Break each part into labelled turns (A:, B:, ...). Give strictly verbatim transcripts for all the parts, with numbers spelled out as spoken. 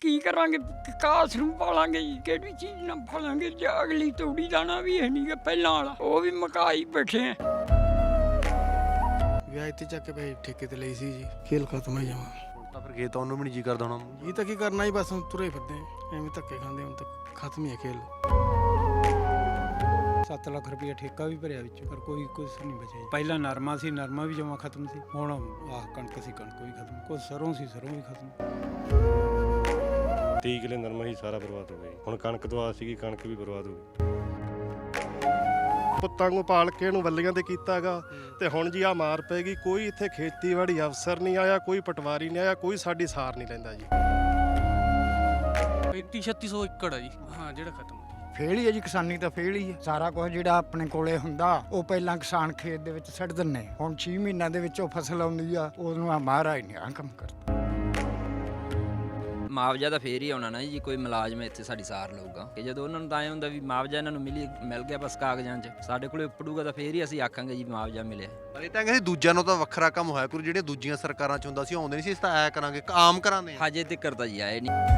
A: ਕੀ ਕਰਾਂਗੇ, ਕਾਸ ਨੂੰ ਪਾਲਾਂਗੇ ਜੀ, ਕਿਹੜੀ ਚੀਜ਼ ਨਾਲ ਪਾਲਾਂਗੇ ਜੇ ਅਗਲੀ ਤੂੜੀ ਦਾਣਾ ਵੀ ਹੈ ਨਹੀਂ ਗਾ ਪਹਿਲਾਂ ਵਾਲਾ, ਉਹ ਵੀ ਮਕਾਈ ਬੈਠੇ ਆ।
B: ਵਿਆਹ ਤੇ ਚੱਕ ਕੇ ਭਾਈ ਠੇਕੇ ਤੇ ਲਈ ਸੀ ਜੀ, ਖੇਲ ਖਤਮ ਹੋ ਜਾਵਾਂ
C: ਹੁਣ ਤਾਂ ਫਿਰ ਖੇਤ ਆਉਣ ਨੂੰ ਵੀ ਨਹੀਂ ਜੀ ਕਰਦਾ ਹੋਣਾ।
B: ਇਹ ਤਾਂ ਕੀ ਕਰਨਾ ਹੀ, ਬਸ ਹੁਣ ਤੁਰੇ ਫਿਰਦੇ ਆਂ, ਐਵੇਂ ਧੱਕੇ ਖਾਂਦੇ, ਹੁਣ ਤੱਕ ਖਤਮ ਹੀ ਹੈ ਖੇਲ।
D: ਸੱਤ ਲੱਖ ਰੁਪਏ ਠੇਕਾ ਵੀ ਭਰਿਆ ਵਿੱਚ, ਪਰ ਕੋਈ ਕੁਝ ਨਹੀਂ ਬਚਿਆ ਜੀ। ਪਹਿਲਾਂ ਨਰਮਾ ਸੀ, ਨਰਮਾ ਵੀ ਜਮਾ ਖਤਮ ਸੀ, ਹੁਣ ਆਹ ਕਣਕ ਸੀ, ਕਣਕ ਵੀ ਖਤਮ, ਕੁਝ ਸਰੋਂ ਸੀ, ਸਰੋਂ ਵੀ ਖਤਮ।
E: ਤੀਹ ਕਿੱਲੇ ਨਰਮਾ ਹੀ ਸਾਰਾ ਬਰਬਾਦ ਹੋ ਗਿਆ ਜੀ। ਹੁਣ ਕਣਕ ਤੋਂ ਆ ਸੀਗੀ, ਕਣਕ ਵੀ ਬਰਬਾਦ ਹੋ ਗਈ।
F: ਪੁੱਤਾਂ ਨੂੰ ਪਾਲ ਕੇ ਇਹਨੂੰ ਵੱਲੀਆਂ ਤੇ ਕੀਤਾਗਾ, ਤੇ ਹੁਣ ਜੀ ਆ ਮਾਰ ਪੈਗੀ। ਕੋਈ ਇੱਥੇ ਖੇਤੀਬਾੜੀ ਅਫਸਰ ਨਹੀਂ ਆਇਆ, ਕੋਈ ਪਟਵਾਰੀ ਨਹੀਂ ਆਇਆ, ਕੋਈ ਸਾਡੀ ਸਾਰ ਨਹੀਂ ਲੈਂਦਾ ਜੀ।
G: ਪੈਂਤੀ ਛੱਤੀ ਸੌ ਏਕੜ ਆ ਜੀ, ਹਾਂ ਜਿਹੜਾ ਖਤਮ।
D: ਫੇਲ ਹੀ ਹੈ ਜੀ, ਕਿਸਾਨੀ ਤਾਂ ਫੇਲ ਹੀ ਹੈ। ਸਾਰਾ ਕੁਝ ਜਿਹੜਾ ਆਪਣੇ ਕੋਲੇ ਹੁੰਦਾ ਉਹ ਪਹਿਲਾਂ ਕਿਸਾਨ ਖੇਤ ਦੇ ਵਿੱਚ ਛੱਡ ਦਿੰਨੇ, ਹੁਣ ਛੇ ਮਹੀਨਿਆਂ ਦੇ ਵਿੱਚ ਉਹ ਫਸਲ ਆਉਂਦੀ ਆ, ਉਹਨੂੰ ਆ ਮਹਾਰਾਜ ਨੇ ਆ ਕੰਮ ਕਰਤਾ।
H: ਮੁਆਵਜ਼ਾ ਤਾਂ ਫੇਰ ਹੀ ਆਉਣਾ ਨਾ ਜੀ, ਕੋਈ ਮੁਲਾਜ਼ਮ ਇੱਥੇ ਸਾਡੀ ਸਾਰ ਲਊਗਾ ਕਿ ਜਦੋਂ ਉਹਨਾਂ ਨੂੰ ਤਾਂ ਐਂ ਹੁੰਦਾ ਵੀ ਮੁਆਵਜ਼ਾ ਇਹਨਾਂ ਨੂੰ ਮਿਲੀ ਮਿਲ ਗਿਆ ਬਸ ਕਾਗਜ਼ਾਂ 'ਚ, ਸਾਡੇ ਕੋਲੇ ਉੱਪੜੂਗਾ ਤਾਂ ਫੇਰ ਹੀ ਅਸੀਂ ਆਖਾਂਗੇ ਜੀ ਮੁਆਵਜ਼ਾ ਮਿਲਿਆ।
C: ਪਰ ਇਹ ਤਾਂ ਕਹਿੰਦੇ ਦੂਜਿਆਂ ਨੂੰ ਤਾਂ ਵੱਖਰਾ ਕੰਮ ਹੋਇਆ ਕੋਈ, ਜਿਹੜੀਆਂ ਦੂਜੀਆਂ ਸਰਕਾਰਾਂ 'ਚ ਹੁੰਦਾ ਸੀ ਆਉਂਦੇ ਨਹੀਂ ਸੀ, ਇਸ ਤਾਂ ਐ ਕਰਾਂਗੇ ਆਮ ਕਰਾਂਦੇ ਆ।
H: ਹਜੇ ਤੱਕ ਤਾਂ ਜੀ ਆਏ ਨਹੀਂ।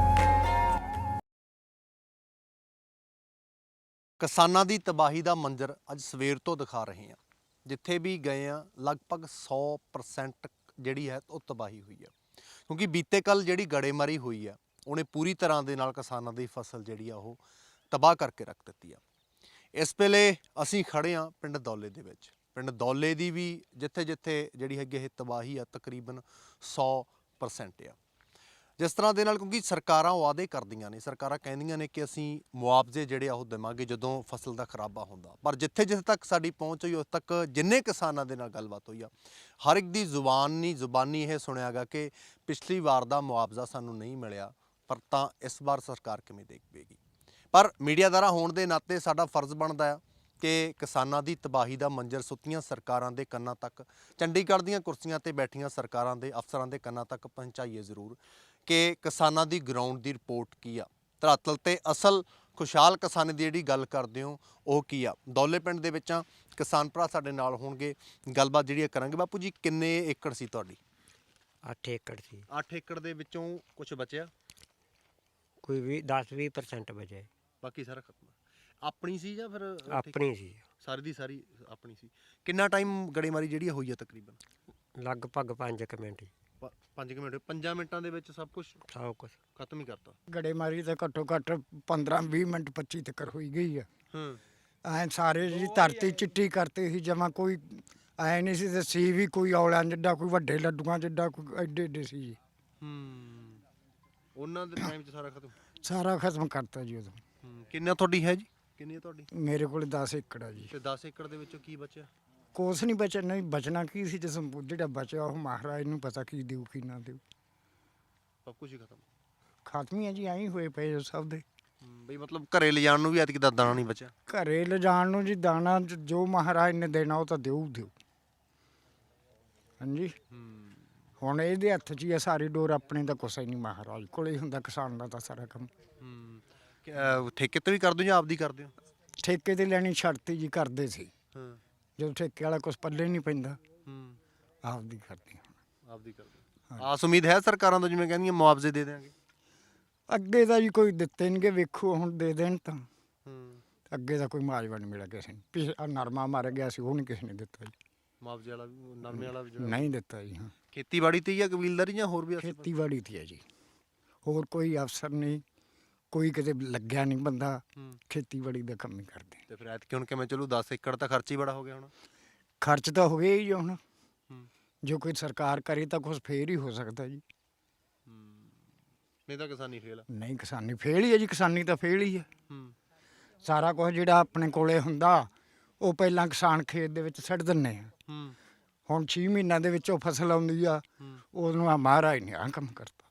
C: ਕਿਸਾਨਾਂ ਦੀ ਤਬਾਹੀ ਦਾ ਮੰਜ਼ਰ ਅੱਜ ਸਵੇਰ ਤੋਂ ਦਿਖਾ ਰਹੇ ਹਾਂ। ਜਿੱਥੇ ਵੀ ਗਏ ਆ ਲਗਭਗ ਸੌ ਪਰਸੈਂਟ ਜਿਹੜੀ ਹੈ ਉਹ ਤਬਾਹੀ ਹੋਈ ਹੈ, ਕਿਉਂਕਿ ਬੀਤੇ ਕੱਲ ਜਿਹੜੀ ਗੜੇਮਾਰੀ ਹੋਈ ਆ ਉਹਨੇ ਪੂਰੀ ਤਰ੍ਹਾਂ ਦੇ ਨਾਲ ਕਿਸਾਨਾਂ ਦੀ ਫਸਲ ਜਿਹੜੀ ਆ ਉਹ ਤਬਾਹ ਕਰਕੇ ਰੱਖ ਦਿੱਤੀ ਆ। ਇਸ ਵੇਲੇ ਅਸੀਂ ਖੜੇ ਆ ਪਿੰਡ ਦੌਲੇ ਦੇ ਵਿੱਚ। ਪਿੰਡ ਦੌਲੇ ਦੀ ਵੀ ਜਿੱਥੇ ਜਿੱਥੇ ਜਿਹੜੀ ਹੈਗੀ ਇਹ ਤਬਾਹੀ ਆ ਤਕਰੀਬਨ ਸੌ ਪਰਸੈਂਟ ਆ। ਜਿਸ ਤਰ੍ਹਾਂ ਦੇ ਨਾਲ, ਕਿਉਂਕਿ ਸਰਕਾਰਾਂ ਵਾਅਦੇ ਕਰਦੀਆਂ ਨੇ, ਸਰਕਾਰਾਂ ਕਹਿੰਦੀਆਂ ਨੇ ਕਿ ਅਸੀਂ ਮੁਆਵਜ਼ੇ ਜਿਹੜੇ ਆ ਉਹ ਦੇਵਾਂਗੇ ਜਦੋਂ ਫਸਲ ਦਾ ਖਰਾਬਾ ਹੁੰਦਾ, ਪਰ ਜਿੱਥੇ ਜਿੱਥੇ ਤੱਕ ਸਾਡੀ ਪਹੁੰਚ ਹੋਈ ਉਸ ਤੱਕ ਜਿੰਨੇ ਕਿਸਾਨਾਂ ਦੇ ਨਾਲ ਗੱਲਬਾਤ ਹੋਈ ਆ, ਹਰ ਇੱਕ ਦੀ ਜ਼ੁਬਾਨੀ ਜ਼ੁਬਾਨੀ ਇਹ ਸੁਣਿਆ ਗਾ ਕਿ ਪਿਛਲੀ ਵਾਰ ਦਾ ਮੁਆਵਜ਼ਾ ਸਾਨੂੰ ਨਹੀਂ ਮਿਲਿਆ, ਪਰ ਤਾਂ ਇਸ ਵਾਰ ਸਰਕਾਰ ਕਿਵੇਂ ਦੇਖੇਗੀ। ਪਰ ਮੀਡੀਆਦਾਰਾ ਹੋਣ ਦੇ ਨਾਤੇ ਸਾਡਾ ਫਰਜ਼ ਬਣਦਾ ਆ ਕਿ ਕਿਸਾਨਾਂ ਦੀ ਤਬਾਹੀ ਦਾ ਮੰਜ਼ਰ ਸੁੱਤੀਆਂ ਸਰਕਾਰਾਂ ਦੇ ਕੰਨਾਂ ਤੱਕ, ਚੰਡੀਗੜ੍ਹ ਦੀਆਂ ਕੁਰਸੀਆਂ ਤੇ ਬੈਠੀਆਂ ਸਰਕਾਰਾਂ ਦੇ ਅਫਸਰਾਂ ਦੇ ਕੰਨਾਂ ਤੱਕ ਪਹੁੰਚਾਈਏ ਜ਼ਰੂਰ ਕਿ ਕਿਸਾਨਾਂ ਦੀ ਗਰਾਊਂਡ ਦੀ ਰਿਪੋਰਟ ਕੀ ਆ, ਧਰਾਤਲ ਤੇ ਅਸਲ ਖੁਸ਼ਹਾਲ ਕਿਸਾਨੀ ਦੀ ਜਿਹੜੀ ਗੱਲ ਕਰਦੇ ਹੋ ਉਹ ਕੀ ਆ। ਦੌਲੇ ਪਿੰਡ ਦੇ ਵਿੱਚ ਕਿਸਾਨ ਭਰਾ ਸਾਡੇ ਨਾਲ ਹੋਣਗੇ, ਗੱਲਬਾਤ ਜਿਹੜੀ ਕਰਾਂਗੇ। ਬਾਪੂ ਜੀ ਕਿੰਨੇ ਏਕੜ ਸੀ ਤੁਹਾਡੀ?
I: ਅੱਠ ਏਕੜ ਸੀ।
C: ਅੱਠ ਏਕੜ ਦੇ ਵਿੱਚੋਂ ਕੁਝ ਬਚਿਆ?
I: ਕੋਈ ਵੀ ਦਸ ਵੀਹ ਪਰਸੈਂਟ ਬਚੇ,
C: ਬਾਕੀ ਸਾਰਾ ਖਤਮ। ਆਪਣੀ ਸੀ ਜਾਂ ਫਿਰ
I: ਆਪਣੀ ਸੀ?
C: ਸਾਰੀ ਦੀ ਸਾਰੀ ਆਪਣੀ ਸੀ। ਕਿੰਨਾ ਟਾਈਮ ਗੜੇਮਾਰੀ ਜਿਹੜੀ ਹੋਈ ਆ? ਤਕਰੀਬਨ
I: ਲਗਭਗ ਪੰਜ ਕੁ ਮਿੰਟ।
C: ਪੰਜ ਕੁ ਮਿੰਟ। ਪੰਜਾਂ ਮਿੰਟਾਂ ਦੇ ਵਿੱਚ ਸਭ ਕੁਝ
I: ਸਭ ਕੁਛ
C: ਖਤਮ ਹੀ ਕਰਤਾ।
D: ਗੜੇਮਾਰੀ ਤਾਂ ਘੱਟੋ ਘੱਟ ਪੰਦਰਾਂ ਵੀਹ ਮਿੰਟ ਪੱਚੀ ਤੱਕ ਹੋਈ ਗਈ ਆ।
C: ਹੂੰ
D: ਐ ਸਾਰੇ ਜੀ ਧਰਤੀ ਚਿੱਟੀ ਕਰਤੀ ਸੀ ਜਮਾ, ਕੋਈ ਐ ਨਹੀਂ ਸੀ ਤੇ ਸੀ ਵੀ ਕੋਈ ਔਲਿਆਂ ਜਿੱਡਾ, ਕੋਈ ਵੱਡੇ ਲੱਡੂਆਂ ਜਿੱਡਾ, ਕੋਈ ਐਡੇ ਐਡੇ ਸੀ ਜੀ।
C: ਹੂੰ ਉਹਨਾਂ ਦੇ ਟਾਈਮ 'ਚ ਸਾਰਾ ਖਤਮ
D: ਸਾਰਾ ਖਤਮ ਕਰਤਾ ਜੀ ਉਦੋਂ।
C: ਹੂੰ ਕਿੰਨਾ ਤੁਹਾਡੀ ਹੈ ਜੀ? ਕਿੰਨੀ ਹੈ ਤੁਹਾਡੀ?
D: ਮੇਰੇ ਕੋਲ ਦਸ ਏਕੜ ਆ ਜੀ।
C: ਤੇ ਦਸ ਏਕੜ ਦੇ ਵਿੱਚੋਂ ਕੀ ਬਚਿਆ?
D: ਕੁਛ ਨਹੀਂ ਬਚਿਆ, ਨਹੀਂ ਬਚਣਾ ਕੀ ਸੀ, ਜਿਸ ਜਿਹੜਾ ਬਚਿਆ ਉਹ ਮਹਾਰਾਜ ਨੂੰ ਪਤਾ ਕੀ ਦਿਓ ਕੀ ਨਾ ਦਿਓ।
C: ਸਭ ਕੁਝ ਹੀ ਖਤਮ
D: ਖਤਮ ਹੀ ਆ ਜੀ, ਐਂ ਹੀ ਹੋਏ ਪਏ ਆ ਸਭ ਦੇ।
C: ਬਈ ਮਤਲਬ ਘਰੇ ਲਿਜਾਣ ਨੂੰ ਵੀ ਐਤਕੀ ਦਾ ਦਾਣਾ ਨਹੀਂ ਬਚਿਆ?
D: ਘਰੇ ਲਿਜਾਣ ਨੂੰ ਜੀ ਦਾਣਾ ਜੋ ਮਹਾਰਾਜ ਨੇ ਦੇਣਾ ਉਹ ਤਾਂ ਦਿਓ ਦਿਓ। ਹਾਂਜੀ ਹੁਣ ਇਹਦੇ ਹੱਥ 'ਚ ਹੀ ਆ ਸਾਰੀ ਡੋਰ, ਆਪਣੇ ਤਾਂ ਕੁਛ ਹੀ ਨਹੀਂ, ਮਹਾਰਾਜ ਕੋਲੇ ਹੀ ਹੁੰਦਾ ਕਿਸਾਨ ਦਾ ਤਾਂ ਸਾਰਾ ਕੰਮ।
C: ਹੂੰ ਠੇਕੇ ਤੇ ਵੀ ਕਰਦੇ ਹੋ ਜਾਂ ਆਪਦੀ ਕਰਦੇ ਹੋ?
D: ਠੇਕੇ ਤੇ ਲੈਣੀ ਛੱਡਤੀ ਜੀ, ਕਰਦੇ ਸੀ
C: ਹਾਂ।
D: ਜਦੋਂ ਠੇਕੇ ਵਾਲਾ ਕੁਛ ਪੱਲੇ ਨਹੀਂ ਪੈਂਦਾ,
C: ਹੂੰ
D: ਆਪਦੀ ਕਰਦੇ ਹੁਣ।
C: ਆਪਦੀ ਕਰਦੇ। ਆਸ ਉਮੀਦ ਹੈ ਸਰਕਾਰਾਂ ਤੋਂ, ਜਿਵੇਂ ਕਹਿੰਦੀਆਂ ਮੁਆਵਜ਼ੇ ਦੇ ਦੇਣਗੇ?
D: ਅੱਗੇ ਤਾਂ ਜੀ ਕੋਈ ਦਿੱਤੇ ਨਹੀਂ ਗੇ, ਵੇਖੋ ਹੁਣ ਦੇ ਦੇਣ ਤਾਂ।
C: ਹੂੰ
D: ਅੱਗੇ ਤਾਂ ਕੋਈ ਮੁਆਵਜ਼ਾ ਨਹੀਂ ਮਿਲਿਆ ਕਿਸੇ ਨੂੰ। ਪਿਛਲਾ ਨਰਮਾ ਮਰ ਗਿਆ ਸੀ, ਉਹ ਨਹੀਂ ਕਿਸੇ ਨੇ ਦਿੱਤਾ ਜੀ।
C: ਮੁਆਵਜ਼ੇ ਵਾਲਾ ਵੀ, ਨਰਮੇ ਵਾਲਾ ਵੀ ਜਿਹੜਾ
D: ਨਹੀਂ ਦਿੱਤਾ ਜੀ। ਹਾਂ
C: ਖੇਤੀਬਾੜੀ ਤੇ ਜਾਂ ਕਬੀਲਦਾਰੀ ਜਾਂ ਹੋਰ ਵੀ?
D: ਖੇਤੀਬਾੜੀ ਤੇ ਹੈ ਜੀ, ਹੋਰ ਕੋਈ ਅਫਸਰ ਨਹੀਂ, ਕੋਈ ਕਿਤੇ ਲੱਗਿਆ ਨਹੀਂ ਬੰਦਾ, ਖੇਤੀਬਾੜੀ ਦਾ ਕੰਮ ਹੀ ਕਰਦੇ।
C: ਤੇ ਫਿਰ ਐਤਕੀ ਹੁਣ ਕਿਵੇਂ ਚਲੂ? ਦਸ ਏਕੜ ਤਾਂ ਖਰਚ ਹੀ ਬੜਾ ਹੋ ਗਿਆ ਹੁਣ।
D: ਖਰਚ ਤਾਂ ਹੋ ਗਿਆ ਹੀ ਹੁਣ, ਜੋ ਕੋਈ ਸਰਕਾਰ ਕਰੇ ਤਾਂ ਕੁਛ ਫੇਰ ਹੀ ਹੋ ਸਕਦਾ ਜੀ।
C: ਨਹੀਂ ਤਾਂ ਕਿਸਾਨੀ ਫੇਲ ਆ।
D: ਨਹੀਂ ਕਿਸਾਨੀ ਫੇਲ ਹੀ ਹੈ ਜੀ, ਕਿਸਾਨੀ ਤਾਂ ਫੇਲ ਹੀ ਹੈ। ਸਾਰਾ ਕੁਝ ਜਿਹੜਾ ਆਪਣੇ ਕੋਲੇ ਹੁੰਦਾ ਉਹ ਪਹਿਲਾਂ ਕਿਸਾਨ ਖੇਤ ਦੇ ਵਿੱਚ ਛੱਡ ਦਿੰਨੇ ਆ, ਹੁਣ ਛੇ ਮਹੀਨਿਆਂ ਦੇ ਵਿੱਚ ਉਹ ਫਸਲ ਆਉਂਦੀ ਆ, ਉਹਨੂੰ ਆ ਮਹਾਰਾਜ ਨੇ ਆ ਕੰਮ ਕਰਤਾ।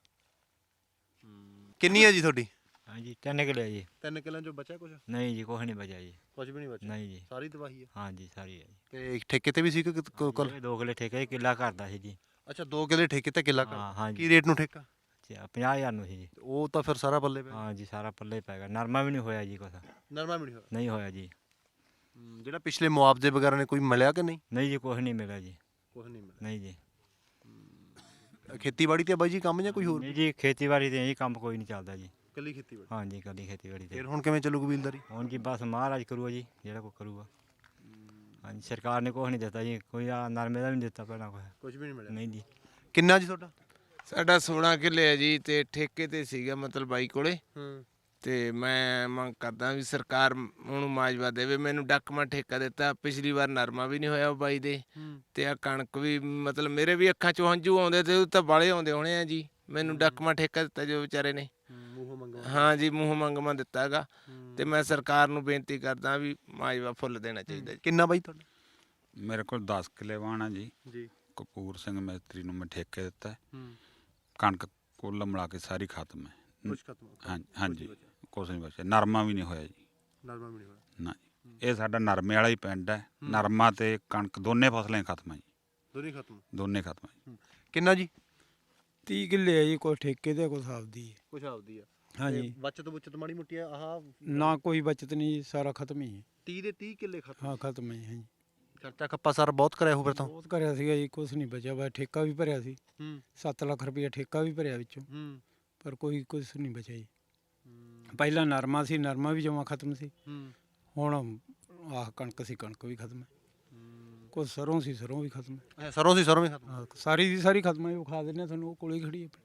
C: ਕਿੰਨੀ ਹੈ ਜੀ ਤੁਹਾਡੀ?
I: ਹਾਂਜੀ ਤਿੰਨ ਕਿੱਲੇ ਜੀ।
C: ਤਿੰਨ ਕਿੱਲਿਆਂ ਚੋਂ ਬਚਿਆ ਕੁਝ?
I: ਨਹੀਂ ਜੀ ਕੁਛ ਨਹੀਂ ਬਚਿਆ ਜੀ।
C: ਕੁਝ ਵੀ ਨਹੀਂ ਬਚਿਆ?
I: ਨਹੀਂ ਜੀ,
C: ਸਾਰੀ ਤਬਾਹੀ ਹੈ।
I: ਹਾਂਜੀ ਸਾਰੀ ਹੈ ਜੀ।
C: ਤੇ ਠੇਕੇ ਤੇ ਵੀ ਸੀ ਕਿ ਕੋਲ?
I: ਦੋ ਕਿੱਲੇ ਠੇਕੇ, ਕਿੱਲਾ ਕਰਦਾ ਸੀ ਜੀ।
C: ਅੱਛਾ ਦੋ ਕਿੱਲੇ ਠੇਕੇ ਤੇ ਕਿੱਲਾ
I: ਹਾਂ
C: ਕਰ।
I: ਹਾਂਜੀ।
C: ਕੀ ਰੇਟ ਨੂੰ ਠੇਕਾ?
I: ਪੰਜਾਹ ਹਜ਼ਾਰ ਨੂੰ ਸੀ ਜੀ।
C: ਉਹ ਤਾਂ ਫਿਰ ਸਾਰਾ ਪੱਲੇ ਪਿਆ।
I: ਹਾਂ ਜੀ ਸਾਰਾ ਪੱਲੇ ਪੈ ਗਿਆ। ਨਰਮਾ ਵੀ ਨਹੀਂ ਹੋਇਆ ਜੀ ਕੁਛ।
C: ਨਰਮਾ ਵੀ ਨਹੀਂ ਹੋਇਆ?
I: ਨਹੀਂ ਹੋਇਆ ਜੀ।
C: ਜਿਹੜਾ ਪਿਛਲੇ ਮੁਆਵਜ਼ੇ ਵਗੈਰਾ ਨੇ ਕੋਈ ਮਿਲਿਆ ਕਿ ਨਹੀਂ?
I: ਨਹੀਂ ਜੀ ਕੁਛ ਨਹੀਂ ਮਿਲਿਆ ਜੀ।
C: ਕੁਝ ਨਹੀਂ ਮਿਲਿਆ?
I: ਨਹੀਂ ਜੀ।
C: ਖੇਤੀਬਾੜੀ ਤੇ ਬਾਈ ਜੀ ਕੰਮ ਜਾਂ ਕੋਈ ਹੋਰ
J: ਨਹੀਂ ਜੀ ਖੇਤੀਬਾੜੀ ਤੇ ਇਹ ਕੰਮ ਕੋਈ ਨਹੀਂ ਚੱਲਦਾ ਜੀ।
C: ਕੱਲੀ ਖੇਤੀਬਾੜੀ।
J: ਹਾਂਜੀ ਕੱਲੀ ਖੇਤੀਬਾੜੀ ਤੇ
C: ਫਿਰ ਹੁਣ ਕਿਵੇਂ ਚੱਲੂ ਕਬੀਲਦਾਰੀ?
J: ਹੁਣ ਜੀ ਬਸ ਮਹਾਰਾਜ ਕਰੂਗਾ ਜੀ ਜਿਹੜਾ ਕੋਈ ਕਰੂਗਾ। ਹਾਂਜੀ ਸਰਕਾਰ ਨੇ ਕੁਛ ਨਹੀਂ ਦਿੱਤਾ ਜੀ, ਕੋਈ ਆ ਨਰਮੇ ਦਾ ਵੀ ਨਹੀਂ ਦਿੱਤਾ ਪਹਿਲਾਂ ਕੁਛ।
C: ਕੁਝ ਵੀ ਨਹੀਂ ਮਿਲਿਆ।
J: ਨਹੀਂ ਜੀ।
C: ਕਿੰਨਾ ਜੀ ਤੁਹਾਡਾ?
K: ਸਾਡਾ ਸੋਲਾਂ ਕਿੱਲੇ ਹੈ ਜੀ ਤੇ ਠੇਕੇ ਤੇ ਸੀਗਾ ਮਤਲਬ ਬਾਈ ਕੋਲੇ।
C: ਹੂੰ।
K: ਤੇ ਮੈਂ ਮੰਗ ਕਰਦਾ ਵੀ ਸਰਕਾਰ ਉਹਨੂੰ ਮਾਜਵਾ ਦੇਵੇ। ਮੈਨੂੰ ਡੱਕਮਾ ਠੇਕਾ ਦਿੱਤਾ, ਪਿਛਲੀ ਵਾਰ ਨਰਮਾ ਵੀ ਨਹੀਂ ਹੋਇਆ ਉਹ ਬਾਈ ਦੇ, ਤੇ ਆ ਕਣਕ ਵੀ ਮਤਲਬ ਮੇਰੇ ਵੀ ਅੱਖਾਂ ਚੋਂ ਹੰਝੂ ਆਉਂਦੇ ਤੇ ਉਹ ਤਾਂ ਬਾਲੇ ਆਉਂਦੇ ਹੋਣੇ ਆ ਜੀ। ਮੈਨੂੰ ਡੱਕਮਾ ਠੇਕਾ ਦਿੱਤਾ ਜੋ ਵਿਚਾਰੇ ਨੇ। ਹਾਂ ਜੀ ਮੂੰਹ ਮੰਗਵਾ ਦਿੱਤਾ ਹੈਗਾ। ਤੇ ਮੈਂ ਸਰਕਾਰ ਨੂੰ ਬੇਨਤੀ ਕਰਦਾ ਵੀ ਮਾਜਵਾ ਫੁੱਲ ਦੇਣਾ ਚਾਹੀਦਾ ਜੀ।
C: ਕਿੰਨਾ ਬਾਈ ਤੁਹਾਡਾ?
L: ਮੇਰੇ ਕੋਲ ਦਸ ਕਿੱਲੇ ਵਾਹਣ ਆ ਜੀ।
C: ਜੀ।
L: ਕਪੂਰ ਸਿੰਘ ਮਿਸਤਰੀ ਨੂੰ ਮੈਂ ਠੇਕੇ ਦਿੱਤਾ। ਕਣਕ ਕੁੱਲ ਮਿਲਾ ਕੇ ਸਾਰੀ ਖਤਮ ਹੈ।
C: ਕੁਝ ਖਤਮ।
L: ਹਾਂ ਹਾਂਜੀ ਕੁਛ ਨਹੀਂ ਬਚਿਆ। ਨਰਮਾ ਵੀ ਨਹੀਂ ਹੋਇਆ ਜੀ।
C: ਨਰਮਾ ਵੀ ਨਹੀਂ ਹੋਇਆ
L: ਨਾ ਇਹ ਸਾਡਾ ਨਰਮੇ ਵਾਲਾ ਹੀ ਪਿੰਡ ਹੈ। ਨਰਮਾ ਤੇ ਕਣਕ ਦੋਨੇ ਫਸਲਾਂ ਖਤਮ ਹੈ ਜੀ।
C: ਦੋਨੇ ਖਤਮ।
L: ਦੋਨੇ ਖਤਮ ਹੈ।
C: ਕਿੰਨਾ ਜੀ?
D: ਤੀਹ ਕਿੱਲੇ ਆ ਜੀ, ਕੋਈ ਠੇਕੇ ਤੇ ਕੋਈ ਆਪਦੀ ਹੈ।
C: ਕੁਝ ਆਪਦੀ ਆ।
D: ਹਾਂਜੀ।
C: ਬਚਤ ਬੁਚਤ ਮਾੜੀ ਮੋਟੀ ਆ ਆਹ
D: ਨਾ ਕੋਈ ਬਚਤ ਨਹੀਂ ਜੀ, ਸਾਰਾ ਖਤਮ ਹੀ ਹੈ।
C: ਤੀਹ ਦੇ ਤੀਹ ਕਿੱਲੇ ਖਤਮ।
D: ਹਾਂ ਖਤਮ ਹੈ ਹਾਂਜੀ।
C: ਖਰਚਾ ਖੱਪਾ ਸਾਰਾ ਬਹੁਤ ਕਰਿਆ ਹੋ ਫਿਰ ਤਾਂ?
D: ਬਹੁਤ ਕਰਿਆ ਸੀਗਾ ਜੀ, ਕੁਛ ਨਹੀਂ ਬਚਿਆ। ਬਸ ਠੇਕਾ ਵੀ ਭਰਿਆ ਸੀ।
C: ਹੂੰ।
D: ਸੱਤ ਲੱਖ ਰੁਪਇਆ ਠੇਕਾ ਵੀ ਭਰਿਆ ਵਿੱਚੋਂ,
C: ਹੂੰ।
D: ਪਰ ਕੋਈ ਕੁਛ ਨਹੀਂ ਬਚਿਆ ਜੀ। ਪਹਿਲਾਂ ਨਰਮਾ ਸੀ, ਨਰਮਾ ਵੀ ਜਮਾਂ ਖਤਮ ਸੀ।
C: ਹੂੰ।
D: ਹੁਣ ਆਹ ਕਣਕ ਸੀ, ਕਣਕ ਵੀ ਖਤਮ ਹੈ। ਕੁਛ ਸਰੋਂ ਸੀ, ਸਰੋਂ ਵੀ ਖਤਮ ਹੈ।
C: ਸਰੋਂ ਸੀ ਸਰੋਂ ਵੀ ਖਤਮ।
D: ਹਾਂ, ਸਾਰੀ ਦੀ ਸਾਰੀ ਖਤਮ ਹੈ। ਉਹ ਖਾ ਦਿੰਦੇ ਤੁਹਾਨੂੰ, ਉਹ ਕੋਲੇ ਖੜੀ ਹੈ